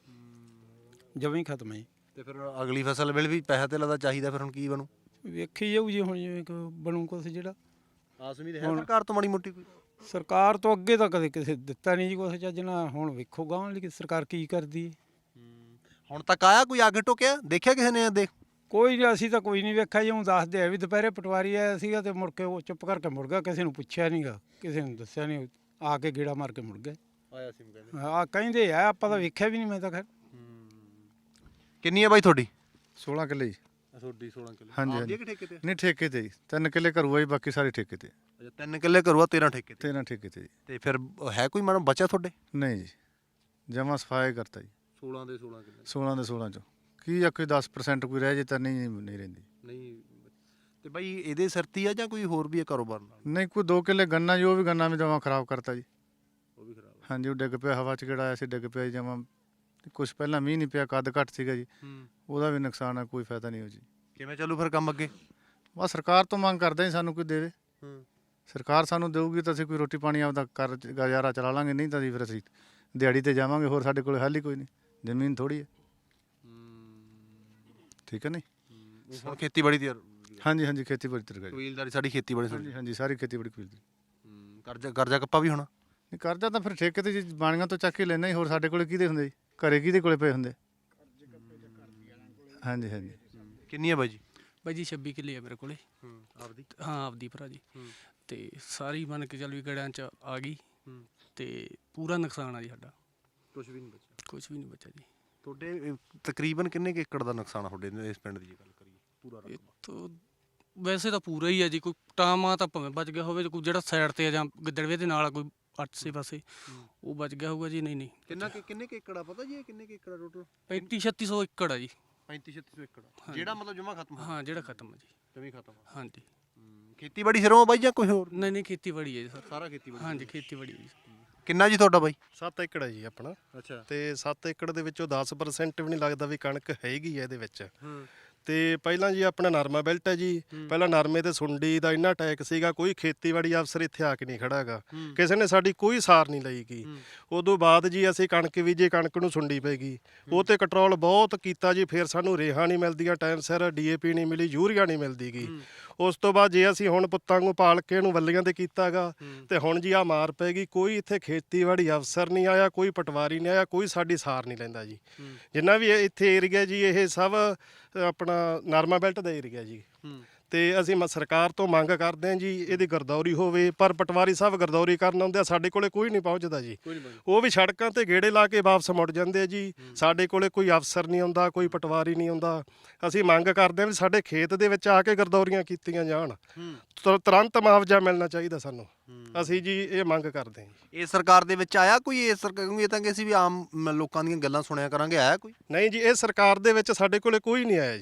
D: ਜਮਾਂ ਹੀ ਖਤਮ ਹੈ।
C: ਤੇ ਫਿਰ ਅਗਲੀ ਫਸਲ ਵੇਲੇ ਵੀ ਪੈਸਾ ਤੇ ਲੱਗਦਾ ਚਾਹੀਦਾ, ਫਿਰ ਹੁਣ ਕੀ ਬਣੂ?
D: ਵੇਖੀ ਜਾਊ ਜੀ ਹੁਣ ਜਿਵੇਂ ਕਿ ਬਣੂ ਕੁਛ ਜਿਹੜਾ।
C: ਆਸ ਉਮੀਦ ਹੈ ਸਰਕਾਰ ਤੋਂ ਮਾੜੀ ਮੋਟੀ ਕੋਈ?
D: ਸਰਕਾਰ ਤੋਂ ਅੱਗੇ ਤਾਂ ਕਦੇ ਕਿਸੇ ਦਿੱਤਾ ਨਹੀਂ ਜੀ ਕੁਛ ਚੱਜ ਨਾਲ। ਹੁਣ ਵੇਖੋ ਗਾਂਹ ਲਈ ਸਰਕਾਰ ਕੀ ਕਰਦੀ ਹੈ।
C: ਹੁਣ ਤੱਕ ਆਇਆ ਕੋਈ ਅੱਗ ਟੋਕਿਆ? ਦੇਖਿਆ ਕਿਸੇ ਨੇ? ਦੇਖ
D: ਕੋਈ ਨਹੀਂ, ਅਸੀਂ ਤਾਂ ਕੋਈ ਨਹੀਂ ਵੇਖਿਆ ਜੀ। ਉਹ ਦੱਸਦੇ ਆ ਵੀ ਦੁਪਹਿਰੇ ਪਟਵਾਰੀ ਆਇਆ ਸੀਗਾ ਤੇ ਮੁੜ ਕੇ ਉਹ ਚੁੱਪ ਕਰਕੇ ਮੁੜ ਗਿਆ। ਕਿਸੇ ਨੂੰ ਪੁੱਛਿਆ ਨਹੀਂਗਾ, ਕਿਸੇ ਨੂੰ ਦੱਸਿਆ ਨਹੀਂ, ਆ ਕੇ ਗੇੜਾ ਮਾਰ ਕੇ ਮੁੜ ਗਏ।
C: ਆਇਆ ਸੀ ਕਹਿੰਦੇ।
D: ਆ ਕਹਿੰਦੇ ਆ, ਆਪਾਂ ਤਾਂ ਵੇਖਿਆ ਵੀ ਨਹੀਂ। ਮੈਂ ਤਾਂ ਖੈਰ।
C: ਕਿੰਨੀ ਹੈ ਬਾਈ ਤੁਹਾਡੀ?
B: ਸੋਲਾਂ ਕਿੱਲੇ ਜੀ।
C: ਤੁਹਾਡੀ ਸੋਲਾਂ ਕਿੱਲੇ।
B: ਹਾਂਜੀ
C: ਆਪਦੀ
B: ਹਾਂਜੀ।
C: ਹੈ ਕਿ ਠੇਕੇ ਤੇ?
B: ਨਹੀਂ ਠੇਕੇ ਤੇ ਜੀ। ਤਿੰਨ ਕਿੱਲੇ ਘਰੂਆ ਜੀ, ਬਾਕੀ ਸਾਰੇ ਠੇਕੇ ਤੇ।
C: ਅੱਛਾ ਤਿੰਨ ਕਿੱਲੇ ਕਰੂਆ, ਤੇਰਾਂ ਠੇਕੇ ਤੇ।
B: ਤੇਰਾਂ ਠੇਕੇ ਤੇ ਜੀ।
C: ਤੇ ਫਿਰ ਹੈ ਕੋਈ ਮਾੜਾ ਬਚਿਆ ਤੁਹਾਡੇ?
B: ਨਹੀਂ ਜੀ, ਜਮਾ ਸਫਾਈ ਕਰਤਾ ਜੀ।
C: ਸੋਲਾਂ ਦੇ ਸੋਲਾਂ ਕਿੱਲੇ।
B: ਸੋਲਾਂ ਦੇ ਸੋਲਾਂ ਚੋਂ ਕੀ ਆ, ਕੋਈ ਦਸ ਪਰਸੈਂਟ ਕੋਈ ਰਹਿ ਜੇ ਤਾਂ ਨਹੀਂ ਨਹੀਂ ਰਹਿੰਦੀ।
C: ਨਹੀਂ ਤੇ ਬਾਈ ਇਹਦੇ ਸਰਤੀ ਆ ਜਾਂ ਕੋਈ ਹੋਰ ਵੀ ਹੈ ਕਾਰੋਬਾਰ ਨਾਲ?
B: ਨਹੀਂ, ਕੋਈ ਦੋ ਕਿੱਲੇ ਗੰਨਾ ਜੀ, ਉਹ ਵੀ ਗੰਨਾ ਵੀ ਜਮਾ ਖਰਾਬ ਕਰਤਾ ਜੀ।
C: ਉਹ ਵੀ ਖਰਾਬ।
B: ਹਾਂਜੀ ਉਹ ਡਿੱਗ ਪਿਆ, ਹਵਾ 'ਚ ਕਿਹੜਾ ਆਇਆ ਸੀ, ਡਿੱਗ ਪਿਆ ਜੀ ਜਮਾ। ਕੁਛ ਪਹਿਲਾਂ ਮੀਂਹ ਨਹੀਂ ਪਿਆ, ਕੱਦ ਘੱਟ ਸੀਗਾ ਜੀ,
C: ਹੂੰ।
B: ਉਹਦਾ ਵੀ ਨੁਕਸਾਨ ਆ, ਕੋਈ ਫਾਇਦਾ ਨਹੀਂ ਹੋ ਜੀ।
C: ਕਿਵੇਂ ਚੱਲੂ ਫਿਰ ਕੰਮ ਅੱਗੇ?
B: ਬਸ ਸਰਕਾਰ ਤੋਂ ਮੰਗ ਕਰਦੇ ਹਾਂ ਸਾਨੂੰ ਕੋਈ ਦੇਵੇ।
C: ਹੂੰ।
B: ਸਰਕਾਰ ਸਾਨੂੰ ਦੇਊਗੀ ਤਾਂ ਅਸੀਂ ਕੋਈ ਰੋਟੀ ਪਾਣੀ ਆਪਦਾ ਕਰ ਗੁਜ਼ਾਰਾ ਚਲਾ ਲਾਂਗੇ, ਨਹੀਂ ਤਾਂ ਜੀ ਫਿਰ ਅਸੀਂ ਦਿਹਾੜੀ ਤੇ ਜਾਵਾਂਗੇ। ਹੋਰ ਸਾਡੇ ਕੋਲ ਹੱਲ ਹੀ ਕੋਈ ਨਹੀਂ, ਜ਼ਮੀਨ ਥੋੜੀ ਹੈ। ਠੀਕ ਹੈ ਨਹੀਂ।
C: ਹੁਣ ਖੇਤੀਬਾੜੀ ਦੀ
B: ਹਾਂਜੀ ਹਾਂਜੀ ਖੇਤੀਬਾੜੀ ਤੇ ਲਗਾਈ।
C: ਕਬੀਲਦਾਰੀ ਸਾਡੀ ਖੇਤੀਬਾੜੀ
B: ਹਾਂਜੀ
C: ਸਾਡੀ।
B: ਹਾਂਜੀ ਸਾਰੀ ਖੇਤੀਬਾੜੀ ਕਬੀਲਦਾਰੀ।
C: ਹੂੰ। ਕਰਜ਼ਾ ਕਰਜ਼ਾ ਕੱਪਾ ਵੀ ਹੋਣਾ?
B: ਨਹੀਂ ਕਰਜ਼ਾ ਤਾਂ ਫਿਰ ਠੇਕੇ ਤੇ ਜੀ ਬਾਣੀਆਂ ਤੋਂ ਚੱਕ ਕੇ ਲੈਣਾ ਹੀ। ਹੋਰ ਸਾਡੇ ਕੋਲੇ ਕਿਹਦੇ ਹੁੰਦੇ ਜੀ? ਘਰੇ ਕਿਹਦੇ ਕੋਲੇ ਪਏ ਹੁੰਦੇ? ਹਾਂਜੀ ਹਾਂਜੀ।
C: ਕਿੰਨੀ ਹੈ ਬਾਈ ਜੀ?
G: ਬਾਈ ਜੀ ਛੱਬੀ ਕਿੱਲੇ ਆ ਮੇਰੇ ਕੋਲੇ।
C: ਹੂੰ। ਆਪਦੀ?
G: ਹਾਂ ਆਪਦੀ ਭਰਾ ਜੀ। ਤੇ ਸਾਰੀ ਮੰਨ ਕੇ ਚੱਲ ਵੀ ਗੜਿਆਂ 'ਚ ਆ ਗਈ। ਤੇ ਪੂਰਾ ਨੁਕਸਾਨ ਆ ਜੀ ਸਾਡਾ।
C: ਕੁਝ ਵੀ ਨਹੀਂ ਬਚਿਆ?
G: ਕੁਝ ਵੀ ਨਹੀਂ ਬਚਿਆ ਜੀ।
C: ਤੁਹਾਡੇ ਤਕਰੀਬਨ ਕਿੰਨੇ ਕੁ ਏਕੜ ਦਾ ਨੁਕਸਾਨ ਆ ਤੁਹਾਡੇ ਇਸ ਪਿੰਡ ਦੀ ਜੇ ਗੱਲ ਕਰੀਏ? ਪੂਰਾ
G: ਇਹ ਤਾਂ ਵੈਸੇ ਤਾਂ ਪੂਰਾ ਹੀ ਆ ਜੀ। ਕੋਈ ਟਾਮਾ ਤਾਂ ਭਾਵੇਂ ਬਚ ਗਿਆ ਹੋਵੇ, ਕੋਈ ਜਿਹੜਾ ਸਾਈਡ ਤੇ ਆ ਜਾਂ ਗਿੱਦੜਵੇ ਦੇ ਨਾਲ ਕੋਈ ਆਸੇ ਪਾਸੇ ਉਹ ਬਚ ਗਿਆ ਹੋਊਗਾ ਜੀ। ਨਹੀਂ ਨਹੀਂ।
C: ਕਿੰਨਾ ਕਿ ਕਿੰਨੇ ਕੁ ਏਕੜ ਆ ਪਤਾ ਜੀ? ਕਿੰਨੇ ਕੁ ਏਕੜ ਆ ਟੋਟਲ?
G: ਪੈਂਤੀ ਛੱਤੀ ਸੌ ਏਕੜ ਆ ਜੀ।
C: ਪੈਂਤੀ ਛੱਤੀ ਸੌ ਏਕੜ ਜਿਹੜਾ ਮਤਲਬ ਜਮਾ ਖਤਮ ਹੋ?
G: ਹਾਂ ਜਿਹੜਾ ਖਤਮ ਆ ਜੀ।
C: ਜਮੀ ਖਤਮ ਆ।
G: ਹਾਂਜੀ।
C: ਖੇਤੀਬਾੜੀ ਸਿਰੋਂ ਬਾਈ ਜਾਂ ਕੋਈ ਹੋਰ?
G: ਨਹੀਂ ਨਹੀਂ ਖੇਤੀਬਾੜੀ ਹੈ ਜੀ ਸਰ।
C: ਸਾਰਾ ਖੇਤੀਬਾੜੀ?
G: ਹਾਂਜੀ ਖੇਤੀਬਾੜੀ ਹੈ ਜੀ।
C: ਕਿੰਨਾ ਜੀ ਤੁਹਾਡਾ ਬਾਈ?
F: ਸੱਤ ਏਕੜ ਹੈ ਜੀ ਆਪਣਾ।
C: ਅੱਛਾ।
F: ਤੇ ਸੱਤ ਏਕੜ ਦੇ ਵਿੱਚੋਂ ਦਸ ਪਰਸੈਂਟ ਵੀ ਨਹੀਂ ਲੱਗਦਾ ਵੀ ਕਣਕ ਹੈਗੀ ਹੈ ਇਹਦੇ ਵਿੱਚ।
C: ਹੂੰ।
F: ਤੇ ਪਹਿਲਾਂ ਜੀ ਆਪਣਾ ਨਰਮਾ ਬੈਲਟ ਹੈ ਜੀ। ਪਹਿਲਾਂ ਨਰਮੇ ਤੇ ਸੁੰਡੀ ਦਾ ਇੰਨਾ ਅਟੈਕ ਸੀਗਾ, ਕੋਈ ਖੇਤੀਬਾੜੀ ਅਫਸਰ ਇੱਥੇ ਆ ਕੇ ਨਹੀਂ ਖੜਾ ਹੈਗਾ। ਕਿਸੇ ਨੇ ਸਾਡੀ ਕੋਈ ਸਾਰ ਨਹੀਂ ਲਈ ਗਈ। ਉਦੋਂ ਬਾਅਦ ਜੀ ਅਸੀਂ ਕਣਕ ਬੀਜੇ, ਕਣਕ ਨੂੰ ਸੁੰਡੀ ਪੈ ਗਈ। ਉਹ ਤੇ ਕੰਟਰੋਲ ਬਹੁਤ ਕੀਤਾ ਜੀ। ਫਿਰ ਸਾਨੂੰ ਰੇਹਾਂ ਨਹੀਂ ਮਿਲਦੀਆਂ ਟਾਈਮ ਸਿਰ, ਡੀਏਪੀ ਨਹੀਂ ਮਿਲੀ, ਯੂਰੀਆ ਨਹੀਂ ਮਿਲਦੀ ਗੀ। ਉਸ ਤੋਂ ਬਾਅਦ ਜੇ ਅਸੀਂ ਹੁਣ ਪੁੱਤਾਂ ਨੂੰ ਪਾਲ ਕੇ ਇਹਨੂੰ ਵੱਲੀਆਂ ਤੇ ਕੀਤਾਗਾ, ਤੇ ਹੁਣ ਜੀ ਆ ਮਾਰ ਪੈ ਗਈ। ਕੋਈ ਇੱਥੇ ਖੇਤੀਬਾੜੀ ਅਫਸਰ ਨਹੀਂ ਆਇਆ, ਕੋਈ ਪਟਵਾਰੀ ਨਹੀਂ ਆਇਆ, ਕੋਈ ਸਾਡੀ ਸਾਰ ਨਹੀਂ ਲੈਂਦਾ ਜੀ। ਜਿੰਨਾ ਵੀ ਇੱਥੇ ਏਰੀਆ ਜੀ ਇਹ ਸਭ ਆਪਣਾ ਨਰਮਾ ਬੈਲਟ ਦਾ ਏਰੀਆ ਜੀ। ਤੇ ਅਸੀਂ ਮ ਸਰਕਾਰ ਤੋਂ ਮੰਗ ਕਰਦੇ ਹਾਂ ਜੀ ਇਹਦੀ ਗਰਦੌਰੀ ਹੋਵੇ। ਪਰ ਪਟਵਾਰੀ ਸਾਹਿਬ ਗਰਦੌਰੀ ਕਰਨ ਆਉਂਦੇ ਆ, ਸਾਡੇ ਕੋਲੇ ਕੋਈ ਨਹੀਂ ਪਹੁੰਚਦਾ ਜੀ। ਉਹ ਵੀ ਸੜਕਾਂ ਤੇ ਗੇੜੇ ਲਾ ਕੇ ਵਾਪਸ ਮੁੜ ਜਾਂਦੇ ਆ ਜੀ। ਸਾਡੇ ਕੋਲੇ ਕੋਈ ਅਫਸਰ ਨਹੀਂ ਆਉਂਦਾ, ਕੋਈ ਪਟਵਾਰੀ ਨਹੀਂ ਆਉਂਦਾ। ਅਸੀਂ ਮੰਗ ਕਰਦੇ ਹਾਂ ਵੀ ਸਾਡੇ ਖੇਤ ਦੇ ਵਿੱਚ ਆ ਕੇ ਗਰਦੌਰੀਆਂ ਕੀਤੀਆਂ ਜਾਣ। ਤੁਰ- ਤੁਰੰਤ ਮੁਆਵਜ਼ਾ ਮਿਲਣਾ ਚਾਹੀਦਾ ਸਾਨੂੰ। ਅਸੀਂ ਜੀ ਇਹ ਮੰਗ ਕਰਦੇ ਹਾਂ ਜੀ।
C: ਇਹ ਸਰਕਾਰ ਦੇ ਵਿੱਚ ਆਇਆ ਕੋਈ? ਇਹ ਸਰਕਾਰ ਕਿਉਂਕਿ ਇਹ ਤਾਂ ਕਿ ਅਸੀਂ ਵੀ ਆਮ ਮ- ਲੋਕਾਂ ਦੀਆਂ ਗੱਲਾਂ ਸੁਣਿਆ ਕਰਾਂਗੇ, ਆਇਆ ਕੋਈ?
F: ਨਹੀਂ ਜੀ, ਇਹ ਸਰਕਾਰ ਦੇ ਵਿੱਚ ਸਾਡੇ ਕੋਲੇ ਕੋਈ ਨਹੀਂ ਆਇਆ ਜੀ।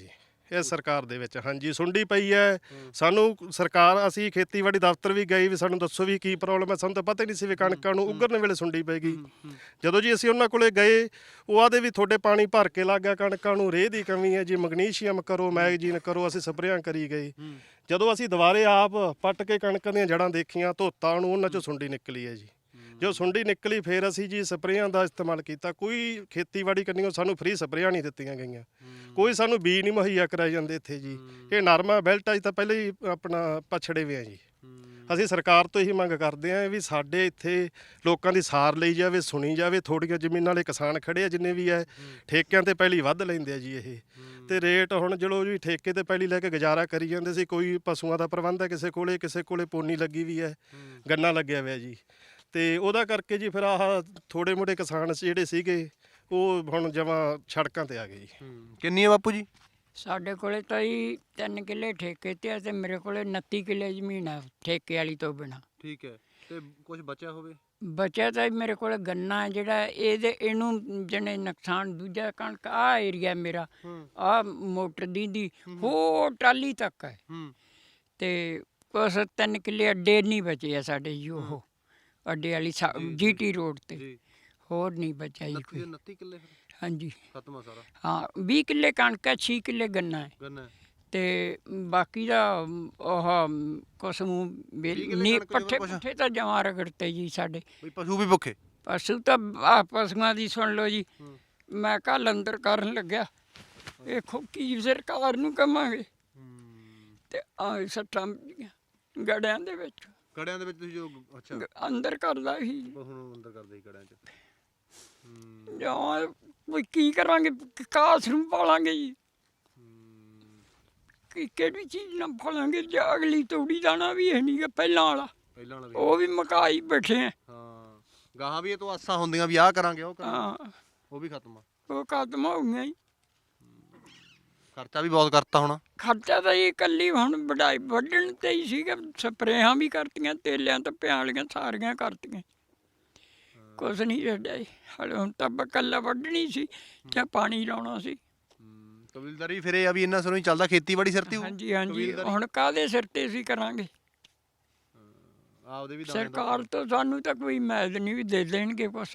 F: ਇਸ ਸਰਕਾਰ ਦੇ ਵਿੱਚ ਹਾਂਜੀ ਸੁੰਡੀ ਪਈ ਹੈ ਸਾਨੂੰ ਸਰਕਾਰ ਅਸੀਂ ਖੇਤੀਬਾੜੀ ਦਫ਼ਤਰ ਵੀ ਗਏ ਵੀ ਸਾਨੂੰ ਦੱਸੋ ਵੀ ਕੀ ਪ੍ਰੋਬਲਮ ਹੈ ਸਾਨੂੰ ਤਾਂ ਪਤਾ ਹੀ ਨਹੀਂ ਸੀ ਵੀ ਕਣਕਾਂ ਨੂੰ ਉਗਰਨ ਵੇਲੇ ਸੁੰਡੀ ਪੈ ਗਈ ਜਦੋਂ ਜੀ ਅਸੀਂ ਉਹਨਾਂ ਕੋਲੇ ਗਏ ਉਹ ਆਦੇ ਵੀ ਤੁਹਾਡੇ ਪਾਣੀ ਭਰ ਕੇ ਲੱਗ ਗਿਆ ਕਣਕਾਂ ਨੂੰ ਰੇਹ ਦੀ ਕਮੀ ਹੈ ਜੀ ਮੈਗਨੀਸ਼ੀਅਮ ਕਰੋ ਮੈਗਜ਼ੀਨ ਕਰੋ ਅਸੀਂ ਸਪਰੇਆਂ ਕਰੀ ਗਏ ਜਦੋਂ ਅਸੀਂ ਦੁਬਾਰੇ ਆਪ ਪੱਟ ਕੇ ਕਣਕਾਂ ਦੀਆਂ ਜੜਾਂ ਦੇਖੀਆਂ ਧੋਤਾਂ ਨੂੰ ਉਹਨਾਂ ਚੋਂ ਸੁੰਡੀ ਨਿਕਲੀ ਹੈ ਜੀ ਜੋ ਸੁੰਡੀ ਨਿਕਲੀ ਫਿਰ ਅਸੀਂ ਜੀ ਸਪਰੇਆਂ ਦਾ ਇਸਤੇਮਾਲ ਕੀਤਾ ਕੋਈ ਖੇਤੀਬਾੜੀ ਕਰਨੀ ਸਾਨੂੰ ਫ੍ਰੀ ਸਪਰੇਆਂ ਨਹੀਂ ਦਿੱਤੀਆਂ ਗਈਆਂ ਕੋਈ ਸਾਨੂੰ ਬੀਜ ਨਹੀਂ ਮੁਹੱਈਆ ਕਰਾਏ ਜਾਂਦੇ ਇੱਥੇ ਜੀ ਇਹ ਨਰਮਾ ਬੈਲਟ ਅਜ ਤਾਂ ਪਹਿਲਾਂ ਹੀ ਆਪਣਾ ਪਛੜੇ ਹੋਏ ਆ ਜੀ ਅਸੀਂ ਸਰਕਾਰ ਤੋਂ ਇਹੀ ਮੰਗ ਕਰਦੇ ਹਾਂ ਵੀ ਸਾਡੇ ਇੱਥੇ ਲੋਕਾਂ ਦੀ ਸਾਰ ਲਈ ਜਾਵੇ ਸੁਣੀ ਜਾਵੇ ਥੋੜ੍ਹੀਆਂ ਜ਼ਮੀਨਾਂ ਵਾਲੇ ਕਿਸਾਨ ਖੜੇ ਆ ਜਿੰਨੇ ਵੀ ਹੈ ਠੇਕਿਆਂ ਤੇ ਪਹਿਲੀ ਵੱਧ ਲੈਂਦੇ ਆ ਜੀ ਇਹ ਤੇ ਰੇਟ ਹੁਣ ਚਲੋ ਜੀ ਠੇਕੇ ਤੇ ਪਹਿਲੀ ਲੈ ਕੇ ਗੁਜ਼ਾਰਾ ਕਰੀ ਜਾਂਦੇ ਸੀ ਕੋਈ ਪਸ਼ੂਆਂ ਦਾ ਪ੍ਰਬੰਧ ਹੈ ਕਿਸੇ ਕੋਲੇ ਕਿਸੇ ਕੋਲੇ ਪੋਨੀ ਲੱਗੀ ਵੀ ਹੈ ਗੰਨਾ ਲੱਗਿਆ ਹੋਇਆ ਜੀ ਤੇ ਉਹਦਾ ਕਰਕੇ ਜੀ ਫਿਰ ਆਹ ਥੋੜੇ ਮੋਟੇ ਕਿਸਾਨ ਜਿਹੜੇ ਸੀਗੇ ਉਹ ਹੁਣ ਜਮਾਂ ਸੜਕਾਂ ਤੇ ਆ ਗਏ ਜੀ
C: ਕਿੰਨੀ ਹੈ ਬਾਪੂ ਜੀ
A: ਸਾਡੇ ਕੋਲੇ ਤਾਂ ਜੀ ਤਿੰਨ ਕਿੱਲੇ ਠੇਕੇ ਤੇ ਆ ਤੇ ਮੇਰੇ ਕੋਲੇ ਉਨੱਤੀ ਕਿੱਲੇ ਜ਼ਮੀਨ ਆ ਠੇਕੇ ਵਾਲੀ ਤੋਂ ਬਿਨਾਂ
C: ਠੀਕ ਹੈ ਤੇ ਕੁਝ ਬਚਿਆ ਹੋਵੇ
A: ਬਚਿਆ ਤਾਂ ਮੇਰੇ ਕੋਲ ਗੰਨਾ ਹੈ ਜਿਹੜਾ ਇਹਦੇ ਇਹਨੂੰ ਜਣੇ ਨੁਕਸਾਨ ਦੂਜਾ ਕਣਕ ਆ ਏਰੀਆ ਮੇਰਾ ਆ ਮੋਟਰ ਦੀ ਦੀ ਹੋ ਟਾਲੀ ਤੱਕ ਹੈ ਤੇ ਕੁਛ ਤਿੰਨ ਕਿੱਲੇ ਅੱਡੇ ਨਹੀਂ ਬਚੇ ਆ ਸਾਡੇ ਜੀ ਉਹ ਅੱਡੇ ਵਾਲੀ ਜੀਟੀ ਰੋਡ ਤੇ ਹੋਰ ਨਹੀਂ ਬਚਿਆ ਜੀ ਕੋਈ
C: ਉਨੱਤੀ ਕਿੱਲੇ
A: ਹਾਂਜੀ
C: ਖਤਮ ਆ ਸਾਰਾ
A: ਹਾਂ ਵੀਹ ਕਿੱਲੇ ਕਣਕ ਹੈ ਛੇ ਕਿੱਲੇ ਗੰਨਾ ਹੈ
C: ਗੰਨਾ
A: ਤੇ ਬਾਕੀ ਦਾ ਉਹ ਕੁਛ ਨੂੰ ਨੀ ਪੱਠੇ ਪੁੱਠੇ ਤਾਂ ਜਮਾਂ ਰਗੜਤੇ ਜੀ ਸਾਡੇ
C: ਵੀ ਪਸ਼ੂ ਵੀ ਭੁੱਖੇ
A: ਪਸ਼ੂ ਤਾਂ ਆਹ ਪਸ਼ੂਆਂ ਦੀ ਸੁਣ ਲਓ ਜੀ ਮੈਂ ਕੱਲ ਅੰਦਰ ਕਰਨ ਲੱਗਿਆ ਇਹ ਕੀ ਸਰਕਾਰ ਨੂੰ ਕਵਾਂਗੇ ਤੇ ਆ ਸੱਟਾਂ ਗੜਿਆਂ ਦੇ ਵਿੱਚ
C: ਕੜਿਆਂ ਦੇ ਵਿੱਚ ਤੁਸੀਂ ਜੋ ਅੱਛਾ
A: ਅੰਦਰ ਕਰਦਾ ਸੀ
C: ਹੁਣ ਅੰਦਰ ਕਰਦੇ ਹੀ ਕੜਿਆਂ 'ਚ
A: ਜਾਂ ਕੋਈ ਕੀ ਕਰਾਂਗੇ ਕਾਸ ਨੂੰ ਪਾਲਾਂਗੇ ਜੀ ਕਿ ਕਿਹੜੀ ਚੀਜ਼ ਨਾਲ ਪਾਲਾਂਗੇ ਜੇ ਅਗਲੀ ਤੂੜੀ ਦਾਣਾ ਵੀ ਹੈ ਨਹੀਂ ਗਾ ਪਹਿਲਾਂ ਵਾਲਾ
C: ਪਹਿਲਾਂ ਵਾਲਾ
A: ਉਹ ਵੀ ਮਕਾਈ ਬੈਠੇ ਆ
C: ਹਾਂ ਗਾਹਾਂ ਵੀ ਇਹ ਤੋਂ ਆਸਾਂ ਹੁੰਦੀਆਂ ਵੀ ਆਹ ਕਰਾਂਗੇ ਉਹ ਕਰਾਂਗੇ
A: ਹਾਂ
C: ਉਹ ਵੀ ਖਤਮ ਆ
A: ਉਹ ਖਤਮ ਹੋ ਗਈਆਂ ਜੀ
C: ਖਰਚਾ ਵੀ ਬਹੁਤ ਕਰਤਾ ਹੋਣਾ
A: ਖਰਚਾ ਤਾਂ ਇਹ ਇਕੱਲੀ ਹੁਣ ਵਢਾਈ ਵੱਢਣ ਤੇ ਹੀ ਸੀਗਾ ਸਪਰੇਹਾਂ ਵੀ ਕਰਤੀਆਂ ਤੇਲਿਆਂ ਤੇ ਪਿਆਲੀਆਂ ਸਾਰੀਆਂ ਕਰਤੀਆਂ ਕੁਛ ਨਹੀਂ ਛੱਡਿਆ ਜੀ ਹਲੇ ਹੁਣ ਤਾਂ ਇਕੱਲਾ ਵੱਢਣੀ ਸੀ ਜਾਂ ਪਾਣੀ ਲਾਉਣਾ ਸੀ
C: ਕਬੀਲਦਾਰੀ ਫਿਰ ਇਹ ਆ ਵੀ ਇੰਨਾ ਸਿਰੋਂ ਹੀ ਚੱਲਦਾ ਖੇਤੀਬਾੜੀ ਸਿਰ ਤੇ
A: ਹਾਂਜੀ ਹਾਂਜੀ ਹੁਣ ਕਾਹਦੇ ਸਿਰ ਤੇ ਅਸੀਂ ਕਰਾਂਗੇ
C: ਆਪਦੇ ਵੀ
A: ਸਰਕਾਰ ਤੋਂ ਸਾਨੂੰ ਤਾਂ ਕੋਈ ਮੈਦ ਨਹੀਂ ਵੀ ਦੇ ਦੇਣਗੇ ਕੁਛ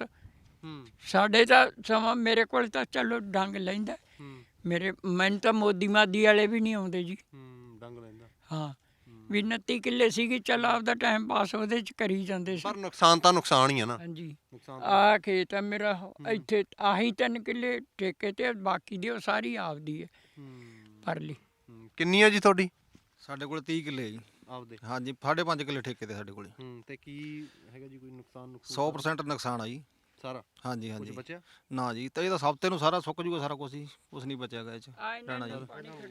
A: ਸਾਡੇ ਤਾਂ ਸਮਾਂ ਮੇਰੇ ਕੋਲ ਤਾਂ ਚਲੋ ਡੰਗ ਲੈਂਦਾ ਮੇਰੇ ਮੈਨੂੰ ਤਾਂ ਮੋਦੀ ਮਾਦੀ ਵਾਲੇ ਵੀ ਨਹੀਂ ਆਉਂਦੇ ਜੀ
C: ਡੰਗ ਲੈਂਦਾ
A: ਹਾਂ ਵੀ ਉਨੱਤੀ ਕਿੱਲੇ ਸੀਗੀ ਚੱਲ ਆਪਦਾ ਟਾਈਮ ਪਾਸ ਉਹਦੇ ਚ ਕਰੀ ਜਾਂਦੇ ਸੀ
C: ਪਰ ਨੁਕਸਾਨ ਤਾਂ ਨੁਕਸਾਨ ਹੀ ਆ ਨਾ
A: ਹਾਂਜੀ ਆਹ ਖੇਤ ਆ ਮੇਰਾ ਇੱਥੇ ਆਹੀ ਤਿੰਨ ਕਿੱਲੇ ਠੇਕੇ ਤੇ ਬਾਕੀ ਦੀ ਉਹ ਸਾਰੀ ਆਪਦੀ ਹੈ ਪਰਲੀ
C: ਕਿੰਨੀ ਆ ਜੀ ਤੁਹਾਡੀ
J: ਸਾਡੇ ਕੋਲ ਤੀਹ ਕਿੱਲੇ ਜੀ
C: ਆਪਦੇ
J: ਹਾਂਜੀ ਸਾਢੇ ਪੰਜ ਕਿੱਲੇ ਠੇਕੇ ਤੇ ਸਾਡੇ ਕੋਲੇ
C: ਤੇ ਕੀ ਹੈਗਾ ਜੀ ਕੋਈ ਨੁਕਸਾਨ
J: ਸੌ ਪ੍ਰਸੈਂਟ ਨੁਕਸਾਨ ਆ ਜੀ
C: ਸਾਰਾ
J: ਹਾਂਜੀ ਹਾਂਜੀ
C: ਕੁਝ ਬਚਿਆ
J: ਨਾ ਜੀ ਤਾਂ ਇਹ ਤਾਂ ਹਫ਼ਤੇ ਨੂੰ ਸਾਰਾ ਸੁੱਕ ਜੂਗਾ ਸਾਰਾ ਕੁਝ ਜੀ ਕੁਛ ਨਹੀਂ ਬਚਿਆਗਾ ਇਹ ਚ ਰਹਿਣਾ ਜੀ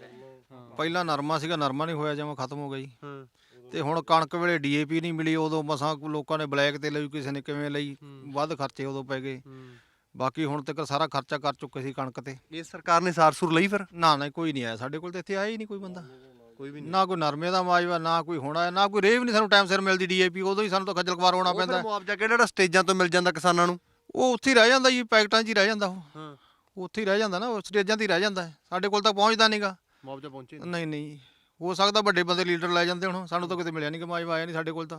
J: ਪਹਿਲਾਂ ਨਰਮਾ ਸੀਗਾ ਨਰਮਾ ਨਹੀਂ ਹੋਇਆ ਜਿਵੇਂ ਖਤਮ ਹੋ ਗਿਆ ਜੀ ਤੇ ਹੁਣ ਕਣਕ ਵੇਲੇ ਡੀਏਪੀ ਨਹੀਂ ਮਿਲੀ ਉਦੋਂ ਮਸਾਂ ਲੋਕਾਂ ਨੇ ਬਲੈਕ ਤੇ ਲਈ ਕਿਸੇ ਨੇ ਕਿਵੇਂ ਲਈ ਵੱਧ ਖਰਚੇ ਉਦੋਂ ਪੈ ਗਏ ਬਾਕੀ ਹੁਣ ਤੱਕ ਸਾਰਾ ਖਰਚਾ ਕਰ ਚੁੱਕੇ ਸੀ ਕਣਕ ਤੇ
C: ਇਹ ਸਰਕਾਰ ਨੇ ਸਾਰ ਸੁਰ ਲਈ ਫਿਰ
J: ਨਾ ਨਾ ਕੋਈ ਨਹੀਂ ਆਇਆ ਸਾਡੇ ਕੋਲ ਤੇ ਇੱਥੇ ਆਇਆ ਹੀ ਨਹੀਂ ਕੋਈ ਬੰਦਾ
C: ਕੋਈ ਵੀ
J: ਨਾ ਕੋਈ ਨਰਮੇ ਦਾ ਮਾਜਵਾ ਨਾ ਕੋਈ ਹੋਣਾ ਨਾ ਕੋਈ ਰੇਹ ਵੀ ਨਹੀਂ ਸਾਨੂੰ ਟਾਈਮ ਸਿਰ ਮਿਲਦੀ ਡੀਏਪੀ ਉਦੋਂ ਹੀ ਸਾਨੂੰ ਤਾਂ ਖੱਜਲ ਖਵਾਰ ਹੋਣਾ ਪੈਂਦਾ
C: ਮੁਆਵਜ਼ਾ ਕਿਹੜਾ ਸਟੇਜਾਂ ਤੋਂ ਮਿਲ ਜਾਂਦਾ ਕਿਸਾਨਾਂ ਨੂੰ
J: ਉਹ ਉੱਥੇ ਹੀ ਰਹਿ ਜਾਂਦਾ ਜੀ ਪੈਕਟਾਂ 'ਚ ਹੀ ਰਹਿ ਜਾਂਦਾ ਉਹ ਉੱਥੇ ਹੀ ਰਹਿ ਜਾਂਦਾ ਨਾ ਉਹ ਸਟੇਜਾਂ 'ਤੇ ਹੀ ਰਹਿ ਜਾਂਦਾ ਸਾਡੇ ਕੋਲ ਤਾਂ ਪਹੁੰਚਦਾ ਨਹੀਂਗਾ
C: ਮੁਆਵਜ਼ਾ ਪਹੁੰਚੇ
J: ਨਹੀਂ ਨਹੀਂ ਹੋ ਸਕਦਾ ਵੱਡੇ ਬੰਦੇ ਲੀਡਰ ਲੈ ਜਾਂਦੇ ਹੁਣ ਸਾਨੂੰ ਤਾਂ ਕਿਤੇ ਮਿਲਿਆ ਨਹੀਂ ਕਿ ਮਾਜਵਾ ਆਇਆ ਨਹੀਂ ਸਾਡੇ ਕੋਲ ਤਾਂ